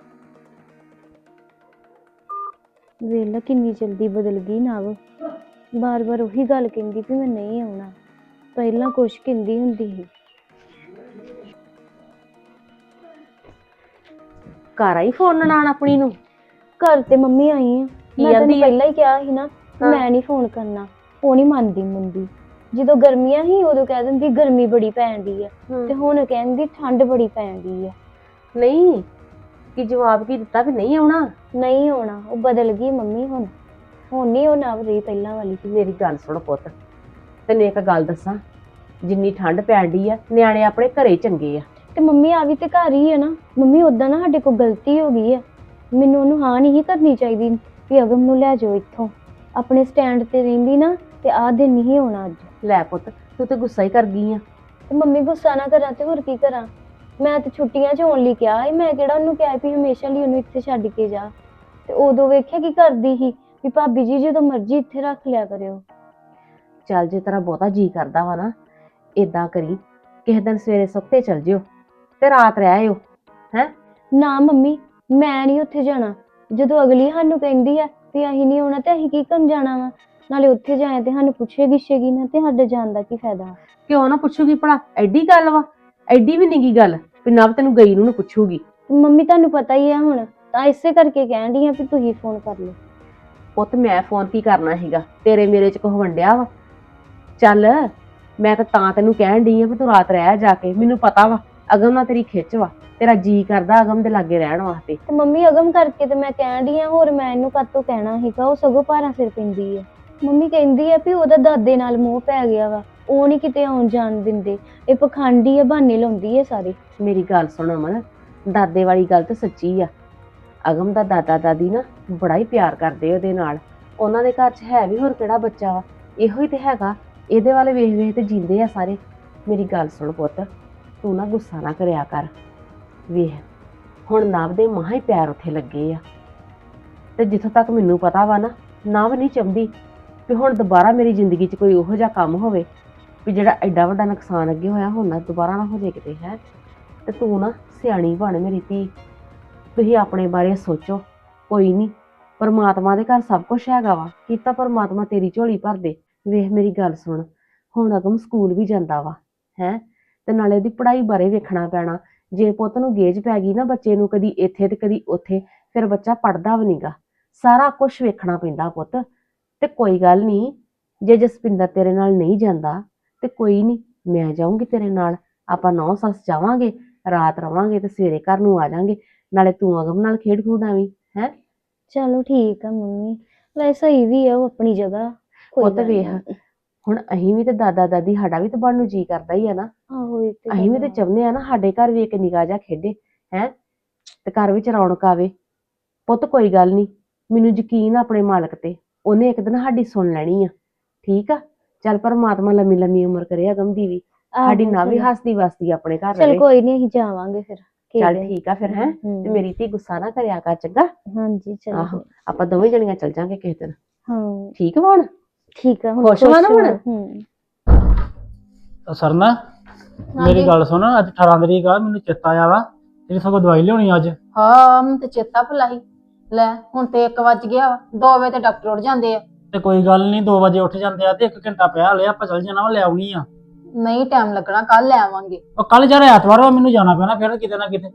Speaker 8: ਵੇਲਾ ਕਿੰਨੀ ਜਲਦੀ ਬਦਲ ਗਈ ਨਵ, ਬਾਰ-ਬਾਰ ਉਹੀ ਗੱਲ ਕਹਿੰਦੀ ਵੀ ਮੈਂ ਨਹੀਂ ਆਉਣਾ। ਪਹਿਲਾਂ ਕੁਛ ਕਹਿੰਦੀ ਹੁੰਦੀ ਸੀ।
Speaker 9: ਘਰ ਆਈ ਫੋਨ ਨਾਲ ਆਪਣੀ ਨੂੰ?
Speaker 8: ਘਰ ਤੇ ਮੰਮੀ ਆਈ ਆ, ਮੈਂ
Speaker 9: ਆਂਦੀ
Speaker 8: ਤੈਨੂੰ
Speaker 9: ਆ?
Speaker 8: ਪਹਿਲਾਂ ਹੀ ਕਿਹਾ ਸੀ ਨਾ ਮੈਂ ਨਹੀਂ ਫੋਨ ਕਰਨਾ। ਉਹ ਨਹੀਂ ਮੰਨਦੀ ਮੁੰਦੀ। ਜਦੋਂ ਗਰਮੀਆਂ ਸੀ ਉਦੋਂ ਕਹਿ ਦਿੰਦੀ ਗਰਮੀ ਬੜੀ ਪੈਣ ਡਈ ਆ, ਤੇ ਹੁਣ ਕਹਿੰਦੀ ਠੰਡ ਬੜੀ ਪੈਣ ਡਈ ਆ।
Speaker 9: ਨਹੀਂ ਕੀ ਜਵਾਬ ਕੀ ਦਿੱਤਾ ਵੀ ਨਹੀਂ ਆਉਣਾ?
Speaker 8: ਨਹੀਂ ਆਉਣਾ, ਉਹ ਬਦਲ ਗਈ ਮੰਮੀ। ਹੁਣ ਨਹੀਂ ਉਹ ਨਾ ਰਹੀ ਪਹਿਲਾਂ ਵਾਲੀ।
Speaker 9: ਮੇਰੀ ਗੱਲ ਸੁਣ ਪੁੱਤ, ਤੈਨੂੰ ਇੱਕ ਗੱਲ ਦੱਸਾਂ, ਜਿੰਨੀ ਠੰਡ ਪੈਣ ਡਈ ਆ ਨਿਆਣੇ ਆਪਣੇ ਘਰੇ ਚੰਗੇ ਆ।
Speaker 8: ਤੇ ਮੰਮੀ ਆ ਵੀ ਤੇ ਘਰ ਹੀ ਹੈ ਨਾ। ਮੰਮੀ ਉਦਾਂ ਨਾ ਸਾਡੇ ਕੋਲ ਗਲਤੀ ਹੋ ਗਈ ਆ, ਮੈਨੂੰ ਉਹਨੂੰ ਹਾਂ ਨਹੀਂ ਕਰਨੀ ਚਾਹੀਦੀ ਵੀ ਅਗਮ ਨੂੰ ਲੈ ਜਾਓ ਇੱਥੋਂ। ਆਪਣੇ ਸਟੈਂਡ ਤੇ ਰਹਿੰਦੀ ਨਾ ਤੇ ਆਹ ਦਿਨ ਨਹੀਂ ਆਉਣਾ ਅੱਜ।
Speaker 9: ਲੈ ਪੁੱਤ ਤੂੰ ਤੇ ਗੁੱਸਾ ਹੀ ਕਰ ਗਈ ਆ।
Speaker 8: ਤੇ ਮੰਮੀ ਗੁੱਸਾ ਨਾ ਕਰਾਂ ਤੇ ਹੋਰ ਕੀ ਕਰਾਂ। ਮੈਂ ਤੇ ਛੁੱਟੀਆਂ 'ਚ ਆਉਣ ਲਈ ਕਿਹਾ ਸੀ, ਮੈਂ ਕਿਹੜਾ ਉਹਨੂੰ ਕਿਹਾ ਵੀ ਹਮੇਸ਼ਾ ਲਈ ਉਹਨੂੰ ਇੱਥੇ ਛੱਡ ਕੇ ਜਾ। ਤੇ ਉਦੋਂ ਵੇਖਿਆ ਕੀ ਕਰਦੀ ਸੀ ਵੀ ਭਾਬੀ ਜੀ ਜਦੋਂ ਮਰਜ਼ੀ ਇੱਥੇ ਰੱਖ ਲਿਆ ਕਰਿਓ।
Speaker 9: ਚੱਲ ਜੇ ਤੇਰਾ ਬਹੁਤਾ ਜੀ ਕਰਦਾ ਵਾ ਨਾ, ਏਦਾਂ ਕਰੀ ਕਿਸੇ ਦਿਨ ਸਵੇਰੇ ਸੁੱਤੇ ਚਲ ਜਿਓ ਤੇ ਰਾਤ ਰਹਿ ਆਇਓ। ਹੈ
Speaker 8: ਨਾ ਮੰਮੀ ਮੈਂ ਨਹੀਂ ਉੱਥੇ ਜਾਣਾ। ਜਦੋਂ ਅਗਲੀ ਸਾਨੂੰ ਕਹਿੰਦੀ ਆ ਵੀ ਅਸੀਂ ਨਹੀਂ ਆਉਣਾ ਤੇ ਅਸੀਂ ਕੀ ਕਰਨ ਜਾਣਾ ਵਾ। ਨਾਲੇ ਉੱਥੇ ਜਾਏ ਤੇ ਸਾਨੂੰ ਪੁੱਛੇਗੀ ਨਾ, ਤੇ ਸਾਡੇ ਜਾਣ ਦਾ ਕੀ ਫਾਇਦਾ।
Speaker 9: ਕਿਉਂ ਨਾ ਪੁੱਛੂਗੀ ਭਲਾ? ਐਡੀ ਗੱਲ ਵਾ? ਐਡੀ ਵੀ ਨੀ ਗੀ ਗੱਲ ਵੀ ਨਾ ਤੈਨੂੰ ਗਈ ਨੂੰ ਪੁੱਛੂਗੀ।
Speaker 8: ਮੰਮੀ ਤੁਹਾਨੂੰ ਪਤਾ ਹੀ ਆ ਹੁਣ, ਤਾਂ ਇਸੇ ਕਰਕੇ ਕਹਿਣ ਡਈ ਆ ਵੀ ਤੁਸੀਂ ਫੋਨ ਕਰ ਲਓ।
Speaker 9: ਪੁੱਤ ਮੈਂ ਫੋਨ ਕੀ ਕਰਨਾ ਸੀਗਾ, ਤੇਰੇ ਮੇਰੇ ਚ ਕੁਝ ਵੰਡਿਆ ਵਾ? ਚੱਲ ਮੈਂ ਤਾਂ ਤੈਨੂੰ ਕਹਿਣ ਡਈ ਆ ਵੀ ਤੂੰ ਰਾਤ ਰਹਿ ਜਾ ਕੇ, ਮੈਨੂੰ ਪਤਾ ਵਾ ਅਗਮ ਨਾਲ ਤੇਰੀ ਖਿੱਚ ਵਾ, ਤੇਰਾ ਜੀ ਕਰਦਾ ਅਗਮ ਦੇ ਲਾਗੇ ਰਹਿਣ ਵਾਸਤੇ।
Speaker 8: ਤੇ ਮੰਮੀ ਅਗਮ ਕਰਕੇ ਤੇ ਮੈਂ ਕਹਿਣ ਡਈ ਆ, ਹੋਰ ਮੈਂ ਇਹਨੂੰ ਕਾਹਤੋਂ ਕਹਿਣਾ ਸੀਗਾ, ਉਹ ਸਗੋਂ ਭਾਰਾ ਸਿਰ ਪੈਂਦੀ ਆ। ਮੰਮੀ ਕਹਿੰਦੀ ਆ ਵੀ ਉਹਦਾ ਦਾਦੇ ਨਾਲ ਮੋਹ ਪੈ ਗਿਆ ਵਾ, ਉਹ ਨਹੀਂ ਕਿਤੇ ਆਉਣ ਜਾਣ ਦਿੰਦੇ, ਇਹ ਪਖੰਡੀ ਆ, ਬਹਾਨੇ ਲਾਉਂਦੀ ਆ ਸਾਰੇ।
Speaker 9: ਮੇਰੀ ਗੱਲ ਸੁਣ ਅਮਨ, ਦਾਦੇ ਵਾਲੀ ਗੱਲ ਤਾਂ ਸੱਚੀ ਆ। ਅਗਮ ਦਾ ਦਾਦਾ ਦਾਦੀ ਨਾ ਬੜਾ ਹੀ ਪਿਆਰ ਕਰਦੇ ਉਹਦੇ ਨਾਲ, ਉਹਨਾਂ ਦੇ ਘਰ 'ਚ ਹੈ ਵੀ ਹੋਰ ਕਿਹੜਾ ਬੱਚਾ ਵਾ, ਇਹੋ ਹੀ ਤੇ ਹੈਗਾ, ਇਹਦੇ ਵਾਲੇ ਵੇਖ ਵੇਖ ਤੇ ਜੀਂਦੇ ਆ ਸਾਰੇ। ਮੇਰੀ ਗੱਲ ਸੁਣ ਪੁੱਤ, ਤੂੰ ਨਾ ਗੁੱਸਾ ਨਾ ਕਰਿਆ ਕਰ, ਵੇਖ ਹੁਣ ਨਵ ਦੇ ਮਹਾਂ ਹੀ ਪੈਰ ਉੱਥੇ ਲੱਗੇ ਆ, ਤੇ ਜਿੱਥੋਂ ਤੱਕ ਮੈਨੂੰ ਪਤਾ ਵਾ ਨਾ, ਨਵ ਨਹੀਂ ਚਾਹੁੰਦੀ ਵੀ ਹੁਣ ਦੁਬਾਰਾ ਮੇਰੀ ਜ਼ਿੰਦਗੀ 'ਚ ਕੋਈ ਉਹੋ ਜਿਹਾ ਕੰਮ ਹੋਵੇ ਵੀ ਜਿਹੜਾ ਐਡਾ ਵੱਡਾ ਨੁਕਸਾਨ ਅੱਗੇ ਹੋਇਆ ਹੁਣ ਨਾ ਦੁਬਾਰਾ ਨਾ ਹੋ ਜਾਏ ਕਿਤੇ। ਹੈ ਤੇ ਤੂੰ ਨਾ ਸਿਆਣੀ ਬਣ ਮੇਰੀ ਧੀ, ਤੁਸੀਂ ਆਪਣੇ ਬਾਰੇ ਸੋਚੋ। ਕੋਈ ਨਹੀਂ, ਪਰਮਾਤਮਾ ਦੇ ਘਰ ਸਭ ਕੁਝ ਹੈਗਾ ਵਾ, ਕੀਤਾ ਪਰਮਾਤਮਾ ਤੇਰੀ ਝੋਲੀ ਭਰ ਦੇ। ਵੇਖ ਮੇਰੀ ਗੱਲ ਸੁਣ, ਹੁਣ ਅਗਮ ਸਕੂਲ ਵੀ ਜਾਂਦਾ ਵਾ ਹੈ, ਤੇ ਨਾਲੇ ਉਹਦੀ ਪੜ੍ਹਾਈ ਬਾਰੇ ਵੇਖਣਾ ਪੈਣਾ। ਜੇ ਪੁੱਤ ਨੂੰ ਗੇਜ ਪੈ ਗਈ ਨਾ ਬੱਚੇ ਨੂੰ, ਕਦੀ ਇੱਥੇ ਤੇ ਕਦੀ ਉੱਥੇ, ਫਿਰ ਬੱਚਾ ਪੜ੍ਹਦਾ ਵੀ ਨਹੀਂਗਾ। ਸਾਰਾ ਕੁਝ ਵੇਖਣਾ ਪੈਂਦਾ ਪੁੱਤ। ਤੇ ਕੋਈ ਗੱਲ ਨਹੀਂ, ਜੇ ਜਸਪਿੰਦਰ ਤੇਰੇ ਨਾਲ ਨਹੀਂ ਜਾਂਦਾ ਤੇ ਕੋਈ ਨਹੀਂ, ਮੈਂ ਜਾਊਂਗੀ ਤੇਰੇ ਨਾਲ, ਆਪਾਂ 9 ਸੱਸ ਜਾਵਾਂਗੇ, ਰਾਤ ਰਵਾਂਗੇ ਤੇ ਸਵੇਰੇ ਘਰ ਨੂੰ ਆ ਜਾਾਂਗੇ, ਨਾਲੇ ਤੂੰ ਅਗਮ ਨਾਲ ਖੇਡ ਖੂਡਾਵੀਂ। ਹੈ
Speaker 8: ਚਲੋ ਠੀਕ ਆ ਮੰਮੀ, ਵੈਸੇ ਸਹੀ ਵੀ ਆ ਉਹ ਆਪਣੀ ਜਗ੍ਹਾ।
Speaker 9: ਉਹ ਤਾਂ ਵੇਖ, ਹੁਣ ਅਸੀਂ ਵੀ ਤੇ ਦਾਦਾ ਦਾਦੀ ਸਾਡਾ ਵੀ ਤਾਂ ਬਣਨ ਨੂੰ ਜੀ ਕਰਦਾ ਹੀ ਆ ਨਾ।
Speaker 8: ਆਹੋ ਇਹ ਤੇ
Speaker 9: ਅਸੀਂ ਵੀ ਤੇ ਚਾਹੁੰਦੇ ਆ ਨਾ ਸਾਡੇ ਘਰ ਵੀ ਇੱਕ ਨਿੱਕਾ ਜਿਹਾ ਖੇਡੇ ਹੈ, ਤੇ ਘਰ ਵਿੱਚ ਰੌਣਕ ਆਵੇ। ਪੁੱਤ ਕੋਈ ਗੱਲ ਨਹੀਂ, ਮੈਨੂੰ ਯਕੀਨ ਆ ਆਪਣੇ ਮਾਲਕ ਤੇ, ਉਹਨੇ ਇੱਕ ਦਿਨ ਸਾਡੀ ਸੁਣ ਲੈਣੀ ਆ। ਠੀਕ ਆ, ਚੱਲ ਪਰਮਾਤਮਾ ਲੰਮੀ ਲੰਮੀ ਉਮਰ ਕਰੇ ਅਗਮ ਦੀ ਵੀ, ਸਾਡੀ ਨਾ ਵੀ ਹੱਸਦੀ ਵਸਦੀ ਆਪਣੇ ਘਰ
Speaker 8: ਚਲ
Speaker 9: ਰਹੇ।
Speaker 8: ਕੋਈ ਨਹੀਂ, ਅਸੀਂ ਜਾਵਾਂਗੇ ਫਿਰ।
Speaker 9: ਚੱਲ ਠੀਕ ਆ ਫਿਰ, ਹੈ ਤੇ ਮੇਰੀ ਧੀ ਗੁੱਸਾ ਨਾ ਕਰਿਆ ਕਰ, ਚੰਗਾ।
Speaker 8: ਹਾਂਜੀ ਚਲੋ।
Speaker 9: ਆਹੋ, ਆਪਾਂ ਦੋਵੇਂ ਜਣੀਆਂ ਚੱਲ ਜਾਾਂਗੇ ਕਿਸੇ ਦਿਨ।
Speaker 8: ਹਾਂ
Speaker 9: ਠੀਕ ਵਾ ਹੁਣ?
Speaker 8: ਠੀਕ ਆ, ਹੁਣ
Speaker 9: ਖੁਸ਼ ਵਾ ਨਾ ਹੁਣ?
Speaker 7: ਸਰਨਾ ਮੇਰੀ ਗੱਲ ਸੁਣ, ਅੱਜ 18 ਤਰੀਕ ਆ, ਮੈਨੂੰ ਚੇਤਾ ਆਇਆ ਵਾ ਤੇਰੀ ਸਗੋਂ ਦਵਾਈ ਲਿਆਉਣੀ ਅੱਜ।
Speaker 6: ਹਾਂ ਮੈਨੂੰ ਤੇ ਚੇਤਾ ਭੁਲਾਈ, ਲੈ ਹੁਣ ਤੇ 1 ਵੱਜ ਗਿਆ ਵਾ, 2 ਵਜੇ ਤੇ ਡਾਕਟਰ ਉੱਠ ਜਾਂਦੇ ਆ।
Speaker 7: ਤੇ ਕੋਈ ਗੱਲ ਨਹੀਂ, 2 ਵਜੇ ਉੱਠ ਜਾਂਦੇ ਆ ਤੇ 1 ਘੰਟਾ ਪਿਆ ਲਿਆ, ਆਪਾਂ ਚੱਲ ਜਾਣਾ ਵਾ, ਲੈ ਆਉਣੀ ਆ।
Speaker 6: ਨਹੀਂ ਟਾਈਮ ਲੱਗਣਾ, ਕੱਲ ਲੈ ਆਵਾਂਗੇ।
Speaker 7: ਉਹ ਕੱਲ ਯਾਰ ਐਤਵਾਰ ਵਾ, ਮੈਨੂੰ ਜਾਣਾ ਪੈਣਾ ਫਿਰ ਕਿਤੇ ਨਾ ਕਿਤੇ।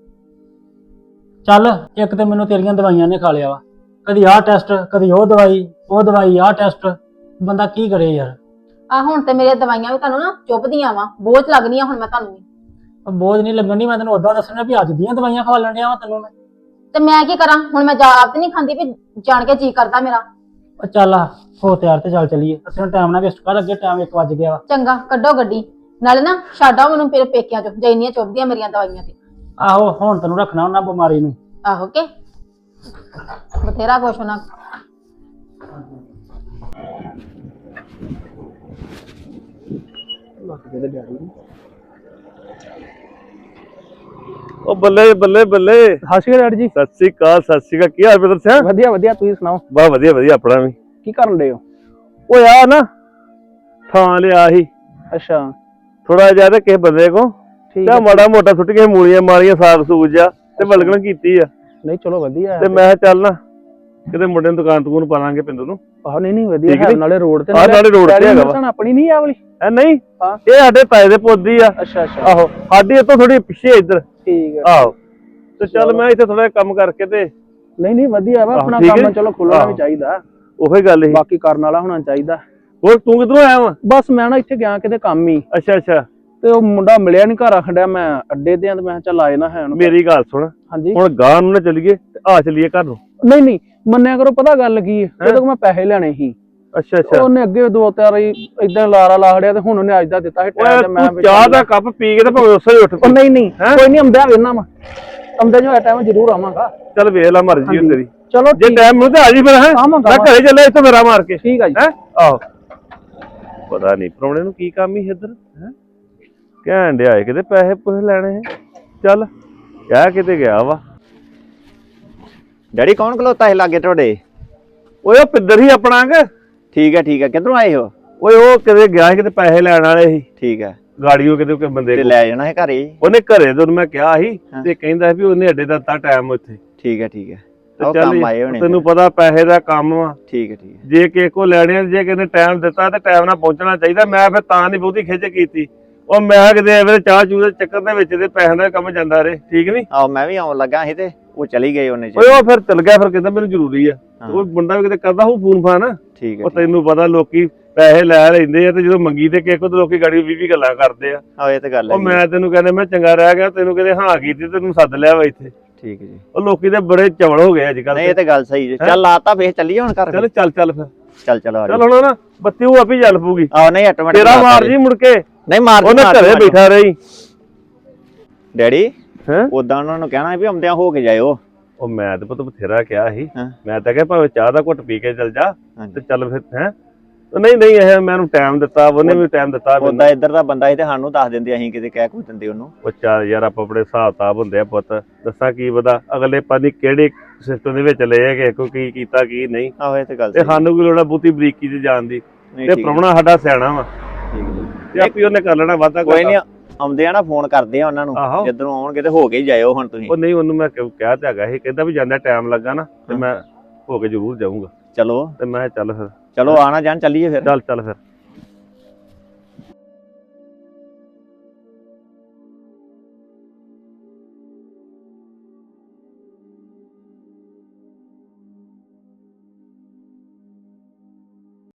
Speaker 7: ਚੱਲ, ਇੱਕ ਤੇ ਮੈਨੂੰ ਤੇਰੀਆਂ ਦਵਾਈਆਂ ਨੇ ਖਾ ਲਿਆ ਵਾ, ਕਦੀ ਆਹ ਟੈਸਟ, ਕਦੀ ਉਹ ਦਵਾਈ ਆਹ ਟੈਸਟ, ਬੰਦਾ ਕੀ ਕਰੇ ਯਾਰ।
Speaker 6: ਆ ਹੁਣ ਤੇ ਮੇਰੀਆਂ ਦਵਾਈਆਂ ਵੀ ਤੁਹਾਨੂੰ ਨਾ ਚੁੱਭਦੀਆਂ ਵਾ, ਬੋਝ ਲੱਗਣੀਆਂ ਹੁਣ ਮੈਂ ਤੁਹਾਨੂੰ ਵੀ।
Speaker 7: ਬੋਝ ਨਹੀਂ ਲੱਗਣ ਦੀ, ਮੈਂ ਤੈਨੂੰ ਉਦਾਂ ਦੱਸਣਾ ਵੀ ਅੱਜ ਦੀਆਂ ਦਵਾਈਆਂ ਖਵਾ ਲੈਣ ਡਿਆ ਵਾ ਤੈਨੂੰ ਮੈਂ।
Speaker 6: ਤੇ ਮੈਂ ਕੀ ਕਰਾਂ ਹੁਣ, ਮੈਂ ਆਪ ਤੇ ਨਹੀਂ ਖਾਂਦੀ ਵੀ ਜਾਣ ਕੇ ਜੀ ਕਰਦਾ ਮੇਰਾ।
Speaker 7: ਉਹ ਚੱਲ ਹੋ ਤਿਆਰ ਤੇ ਚੱਲ ਚੱਲੀਏ, ਅਸੀਂ ਟਾਈਮ ਨਾ ਵੇਸਟ ਕਰ, ਅੱਗੇ ਟਾਈਮ 1 ਵੱਜ ਗਿਆ ਵਾ।
Speaker 6: ਚੰਗਾ ਕੱਢੋ ਗੱਡੀ, ਨਾਲੇ ਨਾ ਛੱਡਾਓ ਮੈਨੂੰ ਫਿਰ ਪੇਕਿਆਂ ਚੋਂ, ਜੇ ਇੰਨੀਆਂ ਚੁੱਭਦੀਆਂ ਮੇਰੀਆਂ ਦਵਾਈਆਂ ਤੇ।
Speaker 7: ਆਹੋ ਹੁਣ ਤੈਨੂੰ ਰੱਖਣਾ ਉਹਨਾਂ ਬਿਮਾਰੀ ਨੂੰ।
Speaker 6: ਆਹੋ ਕੇ ਬਥੇਰਾ ਕੁਛ ਹੋਣਾ।
Speaker 2: ਉਹ ਬੱਲੇ ਬੱਲੇ ਬੱਲੇ।
Speaker 3: ਸਤਿ ਸ਼੍ਰੀ ਅਕਾਲ ਡੈਡੀ ਜੀ।
Speaker 2: ਸਤਿ ਸ੍ਰੀ ਅਕਾਲ, ਸਤਿ ਸ੍ਰੀ ਅਕਾਲ। ਕੀ ਹਾਲ ਬਦਰ ਸਿੰਘ?
Speaker 3: ਵਧੀਆ ਵਧੀਆ, ਤੁਸੀਂ ਸੁਣਾਓ?
Speaker 2: ਬਾ ਵਧੀਆ ਵਧੀਆ, ਆਪਣਾ ਵੀ।
Speaker 3: ਕੀ ਕਰਨ ਡਏ ਹੋ?
Speaker 2: ਉਹ ਆ ਨਾ ਥਾਂ ਲਿਆ ਸੀ
Speaker 3: ਅੱਛਾ
Speaker 2: ਥੋੜਾ ਜਿਹਾ, ਤੇ ਕਿਸੇ ਬੰਦੇ ਕੋ
Speaker 3: ਠੀਕ
Speaker 2: ਤੇ
Speaker 3: ਹੈ।
Speaker 2: ਮਾੜਾ ਮੋਟਾ ਸੁੱਟ ਕੇ ਮੂਲੀਆਂ ਮਾਰੀਆਂ, ਸਾਗ ਸੂਗ ਜਾ ਤੇ ਬਲਗਣ ਕੀਤੀ ਆ।
Speaker 3: ਨਹੀਂ ਚਲੋ ਵਧੀਆ
Speaker 2: ਤੇ ਮੈਂ ਕਿਹਾ ਚੱਲ ਨਾ ਕਿਤੇ ਮੁੰਡੇ ਨੂੰ ਦੁਕਾਨ ਤੂੰ ਪਾ ਲਾਂਗੇ ਪਿੰਡ ਨੂੰ।
Speaker 3: ਆਹ ਨਹੀਂ ਵਧੀਆ
Speaker 2: ਠੀਕ
Speaker 3: ਹੈ,
Speaker 2: ਨੀ?
Speaker 3: ਨਾਲੇ ਰੋਡ ਤੇ
Speaker 2: ਆਹ ਨਾਲੇ road ਤੇ ਹੈਗਾ ਵਾ।
Speaker 3: ਆਪਣੀ ਨਹੀਂ ਆ ਵਾਲੀ।
Speaker 2: ਐ ਨਹੀਂ,
Speaker 3: ਹਾਂ।
Speaker 2: ਇਹ ਸਾਡੇ ਤਾਏ ਦੇ ਪੁੱਤ ਦੀ ਆ।
Speaker 3: ਅੱਛਾ ਅੱਛਾ
Speaker 2: ਆਹੋ, ਸਾਡੀ ਇੱਥੋਂ ਥੋੜੀ ਪਿੱਛੇ ਇੱਧਰ।
Speaker 3: ਠੀਕ ਹੈ।
Speaker 2: ਆਹੋ, ਤੇ ਚੱਲ ਮੈਂ ਇੱਥੇ ਥੋੜਾ ਕੰਮ ਕਰਕੇ ਤੇ
Speaker 3: ਨਹੀਂ ਵਧੀਆ ਵਾ, ਆਪਣਾ
Speaker 2: ਠੀਕ ਹੈ।
Speaker 3: ਕੰਮ ਚਲੋ ਖੁੱਲਣਾ ਵੀ ਚਾਹੀਦਾ,
Speaker 2: ਉਹੀ ਗੱਲ ਸੀ।
Speaker 3: ਬਾਕੀ ਕਰਨ ਵਾਲਾ ਹੋਣਾ ਚਾਹੀਦਾ।
Speaker 2: ਹੋਰ ਤੂੰ ਕਿੱਧਰੋਂ ਆਇਆ ਵਾ?
Speaker 3: ਬਸ ਮੈਂ ਨਾ ਇੱਥੇ ਗਿਆ ਕਿਤੇ ਕੰਮ ਹੀ,
Speaker 2: ਅੱਛਾ ਅੱਛਾ।
Speaker 3: ਤੇ ਉਹ ਮੁੰਡਾ ਮਿਲਿਆ ਨਹੀਂ, ਘਰ ਆਖੜਿਆ ਮੈਂ ਅੱਡੇ ਤੇ ਆ, ਤੇ ਮੈਂ ਕਿਹਾ ਚੱਲ ਆਏ ਨਾ ਹੈ ਉਹਨੂੰ।
Speaker 2: ਮੇਰੀ ਗੱਲ ਸੁਣ,
Speaker 3: ਹਾਂਜੀ।
Speaker 2: ਹੁਣ ਗਾਂ ਨੂੰ ਨਾ ਚੱਲੀਏ ਤੇ ਆ ਚੱਲੀਏ ਘਰ ਨੂੰ।
Speaker 3: ਨਹੀਂ ਮੰਨਿਆ ਕਰੋ, ਪਤਾ ਗੱਲ ਕੀ ਹੈ, ਉਹਦੇ ਕੋਲ ਮੈਂ ਪੈਸੇ ਲੈਣੇ ਸੀ।
Speaker 2: ਅੱਛਾ ਅੱਛਾ।
Speaker 3: ਉਹਨੇ ਅੱਗੇ 2-4 ਇਦਾਂ ਲਾਰਾ ਲਾ ਖੜਿਆ, ਤੇ ਹੁਣ ਉਹਨੇ ਅੱਜ ਦਾ ਦਿੱਤਾ ਸੀ ਟਾਈਮ, ਤੇ ਮੈਂ
Speaker 2: ਤੂੰ ਚਾਹ ਦਾ ਕੱਪ ਪੀ ਕੇ ਤੇ ਭਾਵੇਂ ਉਸੇ ਹੀ ਉੱਠ
Speaker 3: ਉਹ ਨਹੀਂ ਕੋਈ ਨਹੀਂ, ਆਉਂਦਾ ਵੇਨਾ ਵਾ, ਆਉਂਦਾ ਜੋ ਟਾਈਮ ਜ਼ਰੂਰ ਆਵਾਂਗਾ।
Speaker 2: ਚੱਲ ਵੇਖ ਲੈ ਮਰਜ਼ੀ ਹੋ ਤੇਰੀ।
Speaker 3: ਚਲੋ
Speaker 2: ਜੇ ਟਾਈਮ ਮਿਲੂ ਤੇ ਆ ਜੀ ਫਿਰ। ਹੈ ਮੈਂ ਘਰੇ ਚੱਲਿਆ, ਇੱਥੇ ਮੇਰਾ ਮਾਰ ਕੇ।
Speaker 3: ਠੀਕ ਆ ਜੀ।
Speaker 2: ਹੈ ਆਹੋ, ਪਤਾ ਨਹੀਂ ਪ੍ਰਾਹੁਣੇ ਨੂੰ ਕੀ ਕੰਮ ਹੀ ਇੱਧਰ ਹੈ, ਕਹਿਣ ਡਿਆ ਕਿਤੇ ਪੈਸੇ ਪੁੱਛ ਲੈਣੇ। ਚੱਲ ਕਹਿ ਕਿਤੇ ਗਿਆ ਵਾ।
Speaker 11: ਡੈਡੀ ਕੌਣ ਖਲੋਤਾ ਹੈ ਲਾਗੇ ਤੁਹਾਡੇ?
Speaker 2: ਓਏ ਉਹ ਪਿੱਦਰ ਹੀ ਆਪਣਾ ਕਿ।
Speaker 11: ਠੀਕ ਹੈ, ਕਿੱਧਰੋਂ ਆਏ ਹੋ?
Speaker 2: ਓਏ ਉਹ ਕਿਤੇ ਗਿਆ ਸੀ, ਕਿਤੇ ਪੈਸੇ ਲੈਣ ਵਾਲੇ ਸੀ।
Speaker 11: ਠੀਕ ਹੈ।
Speaker 2: ਗਾੜੀਓ ਕਿਤੇ ਕੋਈ ਬੰਦੇ
Speaker 11: ਤੇ
Speaker 2: ਕੋਲ
Speaker 11: ਲੈ ਜਾਣਾ ਹੈ ਘਰੇ?
Speaker 2: ਉਹਨੇ ਘਰੇ ਤੋਂ ਮੈਂ ਕਿਹਾ ਸੀ, ਤੇ ਕਹਿੰਦਾ ਵੀ ਉਹਨੇ ਅੱਡੇ ਦਾ ਦਿੱਤਾ ਟਾਈਮ ਉੱਥੇ।
Speaker 11: ਠੀਕ ਹੈ
Speaker 2: ਤੇ ਚੱਲ ਤੈਨੂੰ ਪਤਾ ਪੈਸੇ ਦਾ ਕੰਮ ਵਾ।
Speaker 11: ਠੀਕ ਹੈ।
Speaker 2: ਜੇ ਕਿਸੇ ਕੋ ਲੈਣੇ, ਜੇ ਕਿਸੇ ਨੇ ਟਾਈਮ ਦਿੱਤਾ ਤੇ ਟਾਈਮ ਨਾਲ ਪਹੁੰਚਣਾ ਚਾਹੀਦਾ। ਮੈਂ ਫਿਰ ਤਾਂ ਨਹੀਂ ਬਹੁਤੀ ਖਿੱਚ ਕੀਤੀ। ਉਹ ਮੈਂ ਕਿਤੇ ਐਵੇਂ ਚਾਹ ਚੂਹ ਦੇ ਚੱਕਰ ਦੇ ਵਿੱਚ ਤੇ ਪੈਸਿਆਂ ਦਾ ਕੰਮ ਜਾਂਦਾ ਰਹੇ। ਠੀਕ ਨੀ?
Speaker 11: ਆਹੋ ਮੈਂ ਵੀ ਆਉਣ ਲੱਗਾ ਸੀ ਤੇ ਉਹ ਚਲੀ ਗਏ ਉਹਨੇ।
Speaker 2: ਓਏ ਉਹ ਫਿਰ ਚਲ ਗਿਆ, ਫਿਰ ਕਹਿੰਦਾ ਮੈਨੂੰ ਜ਼ਰੂਰੀ ਆ। ਉਹ ਮੁੰਡਾ ਵੀ ਕਿਤੇ ਕਰਦਾ ਹੋਊ ਫੋਨ ਫਾਨ।
Speaker 11: ਠੀਕ ਹੈ।
Speaker 2: ਉਹ ਤੈਨੂੰ ਪਤਾ ਲੋਕੀ
Speaker 12: ਪੈਸੇ ਲੈ ਲੈਂਦੇ ਆ ਤੇ ਜਦੋਂ ਮੰਗੀ ਤੇ ਕਿਸੇ ਕੋਲ ਤੇ ਲੋਕੀ ਗਾੜੀ 20 ਗੱਲਾਂ ਕਰਦੇ ਆ।
Speaker 11: ਆਹ ਇਹ ਤੇ ਗੱਲ
Speaker 12: ਉਹ
Speaker 11: ਹੈ
Speaker 12: ਮੈਂ ਤੈਨੂੰ ਕਹਿੰਦਾ ਮੈਂ ਚੰਗਾ ਰਹਿ ਗਿਆ, ਤੈਨੂੰ ਕਹਿੰਦੇ ਹਾਂ ਕੀਤੀ ਤੈਨੂੰ ਸੱਦ ਲਿਆ ਵਾ ਇੱਥੇ।
Speaker 11: ਠੀਕ ਹੈ ਜੀ।
Speaker 12: ਉਹ ਲੋਕੀ ਤੇ ਬੜੇ ਚਵਲ ਹੋ ਗਏ ਅੱਜ ਕੱਲ।
Speaker 11: ਨਹੀਂ ਇਹ ਤੇ ਗੱਲ ਸਹੀ ਜੀ। ਚੱਲ ਲਾਤਾ ਫੇਰ ਚੱਲੀਏ ਹੁਣ ਘਰ।
Speaker 12: ਚੱਲ ਫਿਰ
Speaker 11: ਚੱਲ ਆ
Speaker 12: ਚੱਲ ਹੁਣ ਨਾ ਬੱਤੀ ਉਹ ਆਪੇ ਚੱਲ ਪੂਗੀ।
Speaker 11: ਆਹ ਨਹੀਂ ਆਟੋਮੈਟਿਕ
Speaker 12: ਤੇਰਾ ਮਾਰ ਜੀ ਮੁੜ ਕੇ।
Speaker 11: ਨਹੀਂ ਮਾਰ
Speaker 12: ਉਹਨੇ ਘਰੇ ਬੈਠਾ ਰਹੀ।
Speaker 11: ਡੈਡੀ
Speaker 12: ਹੈ
Speaker 11: ਉਦਾਂ ਉਹਨਾਂ ਨੂੰ ਕਹਿਣਾ ਵੀ ਆਉਂਦਿਆਂ ਹੋ ਕੇ ਜਾਇਓ।
Speaker 12: ਉਹ ਮੈਂ ਤੇ ਪੁੱਤ ਬਥੇਰਾ ਕਿਹਾ ਸੀ।
Speaker 11: ਹਾਂ।
Speaker 12: ਮੈਂ ਤਾਂ ਕਿਹਾ ਭਾਵੇਂ ਚਾਹ ਦਾ ਘੁੱਟ ਪੀ ਕੇ ਚੱਲ ਜਾ
Speaker 11: ਹਾਂਜੀ।
Speaker 12: ਤੇ ਚੱਲ ਫਿਰ ਹੈ। ਨਹੀਂ ਇਹ ਮੈਨੂੰ ਟਾਈਮ ਦਿੱਤਾ, ਉਹਨੇ ਵੀ ਟਾਈਮ ਦਿੱਤਾ।
Speaker 11: ਉਦਾਂ ਇੱਧਰ ਦਾ ਬੰਦਾ ਸੀ ਤੇ ਸਾਨੂੰ ਦੱਸ ਦਿੰਦੇ, ਅਸੀਂ ਕਿਤੇ ਕਹਿ ਦਿੰਦੇ ਉਹਨੂੰ।
Speaker 12: ਉਹ ਚੱਲ ਯਾਰ ਆਪਾਂ ਆਪਣੇ ਹਿਸਾਬ ਕਿਤਾਬ ਹੁੰਦੇ ਆ ਪੁੱਤ, ਦੱਸਾਂ ਕੀ ਪਤਾ ਅਗਲੇ ਪਾਣੀ ਕਿਹੜੇ ਸਿਸਟਮ ਦੇ ਵਿੱਚ ਲਏ ਹੈਗੇ, ਕੋਈ ਕੀ ਕੀਤਾ ਕੀ ਨਹੀਂ।
Speaker 11: ਆਹੋ ਇਹ ਤੇ ਗੱਲ
Speaker 12: ਤੇ ਸਾਨੂੰ ਕੋਈ ਲੋੜ ਆ ਬਹੁਤੀ ਬਰੀਕੀ ਚ ਜਾਣ ਦੀ।
Speaker 11: ਨਹੀਂ
Speaker 12: ਤੇ
Speaker 11: ਠੀਕ
Speaker 12: ਪ੍ਰਾਹੁਣਾ ਸਾਡਾ ਸਿਆਣਾ ਵਾ
Speaker 11: ਠੀਕ
Speaker 12: ਤੇ ਆਪੀ ਉਹਨੇ ਕਰ ਲੈਣਾ ਵਾਧਾ।
Speaker 11: ਕੋਈ ਨਹੀਂ ਆਉਂਦੇ ਆ ਨਾ ਫੋਨ ਕਰਦੇ ਆ ਉਹਨਾਂ ਨੂੰ,
Speaker 12: ਆਹੋ।
Speaker 11: ਜਦੋਂ ਆਉਣਗੇ ਤੇ ਹੋ ਕੇ ਹੀ ਜਾਇਓ ਹੁਣ ਤੁਸੀਂ।
Speaker 12: ਉਹ ਨਹੀਂ ਉਹਨੂੰ ਮੈਂ ਕਿਹਾ ਤੇ ਹੈਗਾ ਸੀ, ਕਹਿੰਦਾ ਵੀ ਜਾਂਦਾ ਟਾਈਮ ਲੱਗਾ ਨਾ ਤੇ ਮੈਂ ਹੋ ਕੇ ਜ਼ਰੂਰ ਜਾਊਂਗਾ।
Speaker 11: ਚਲੋ
Speaker 12: ਤੇ ਮੈਂ ਚੱਲ ਫਿਰ
Speaker 11: ਚਲੋ ਆਣਾ ਜਾਣ ਚੱਲੀਏ ਫਿਰ।
Speaker 12: ਚੱਲ ਫਿਰ।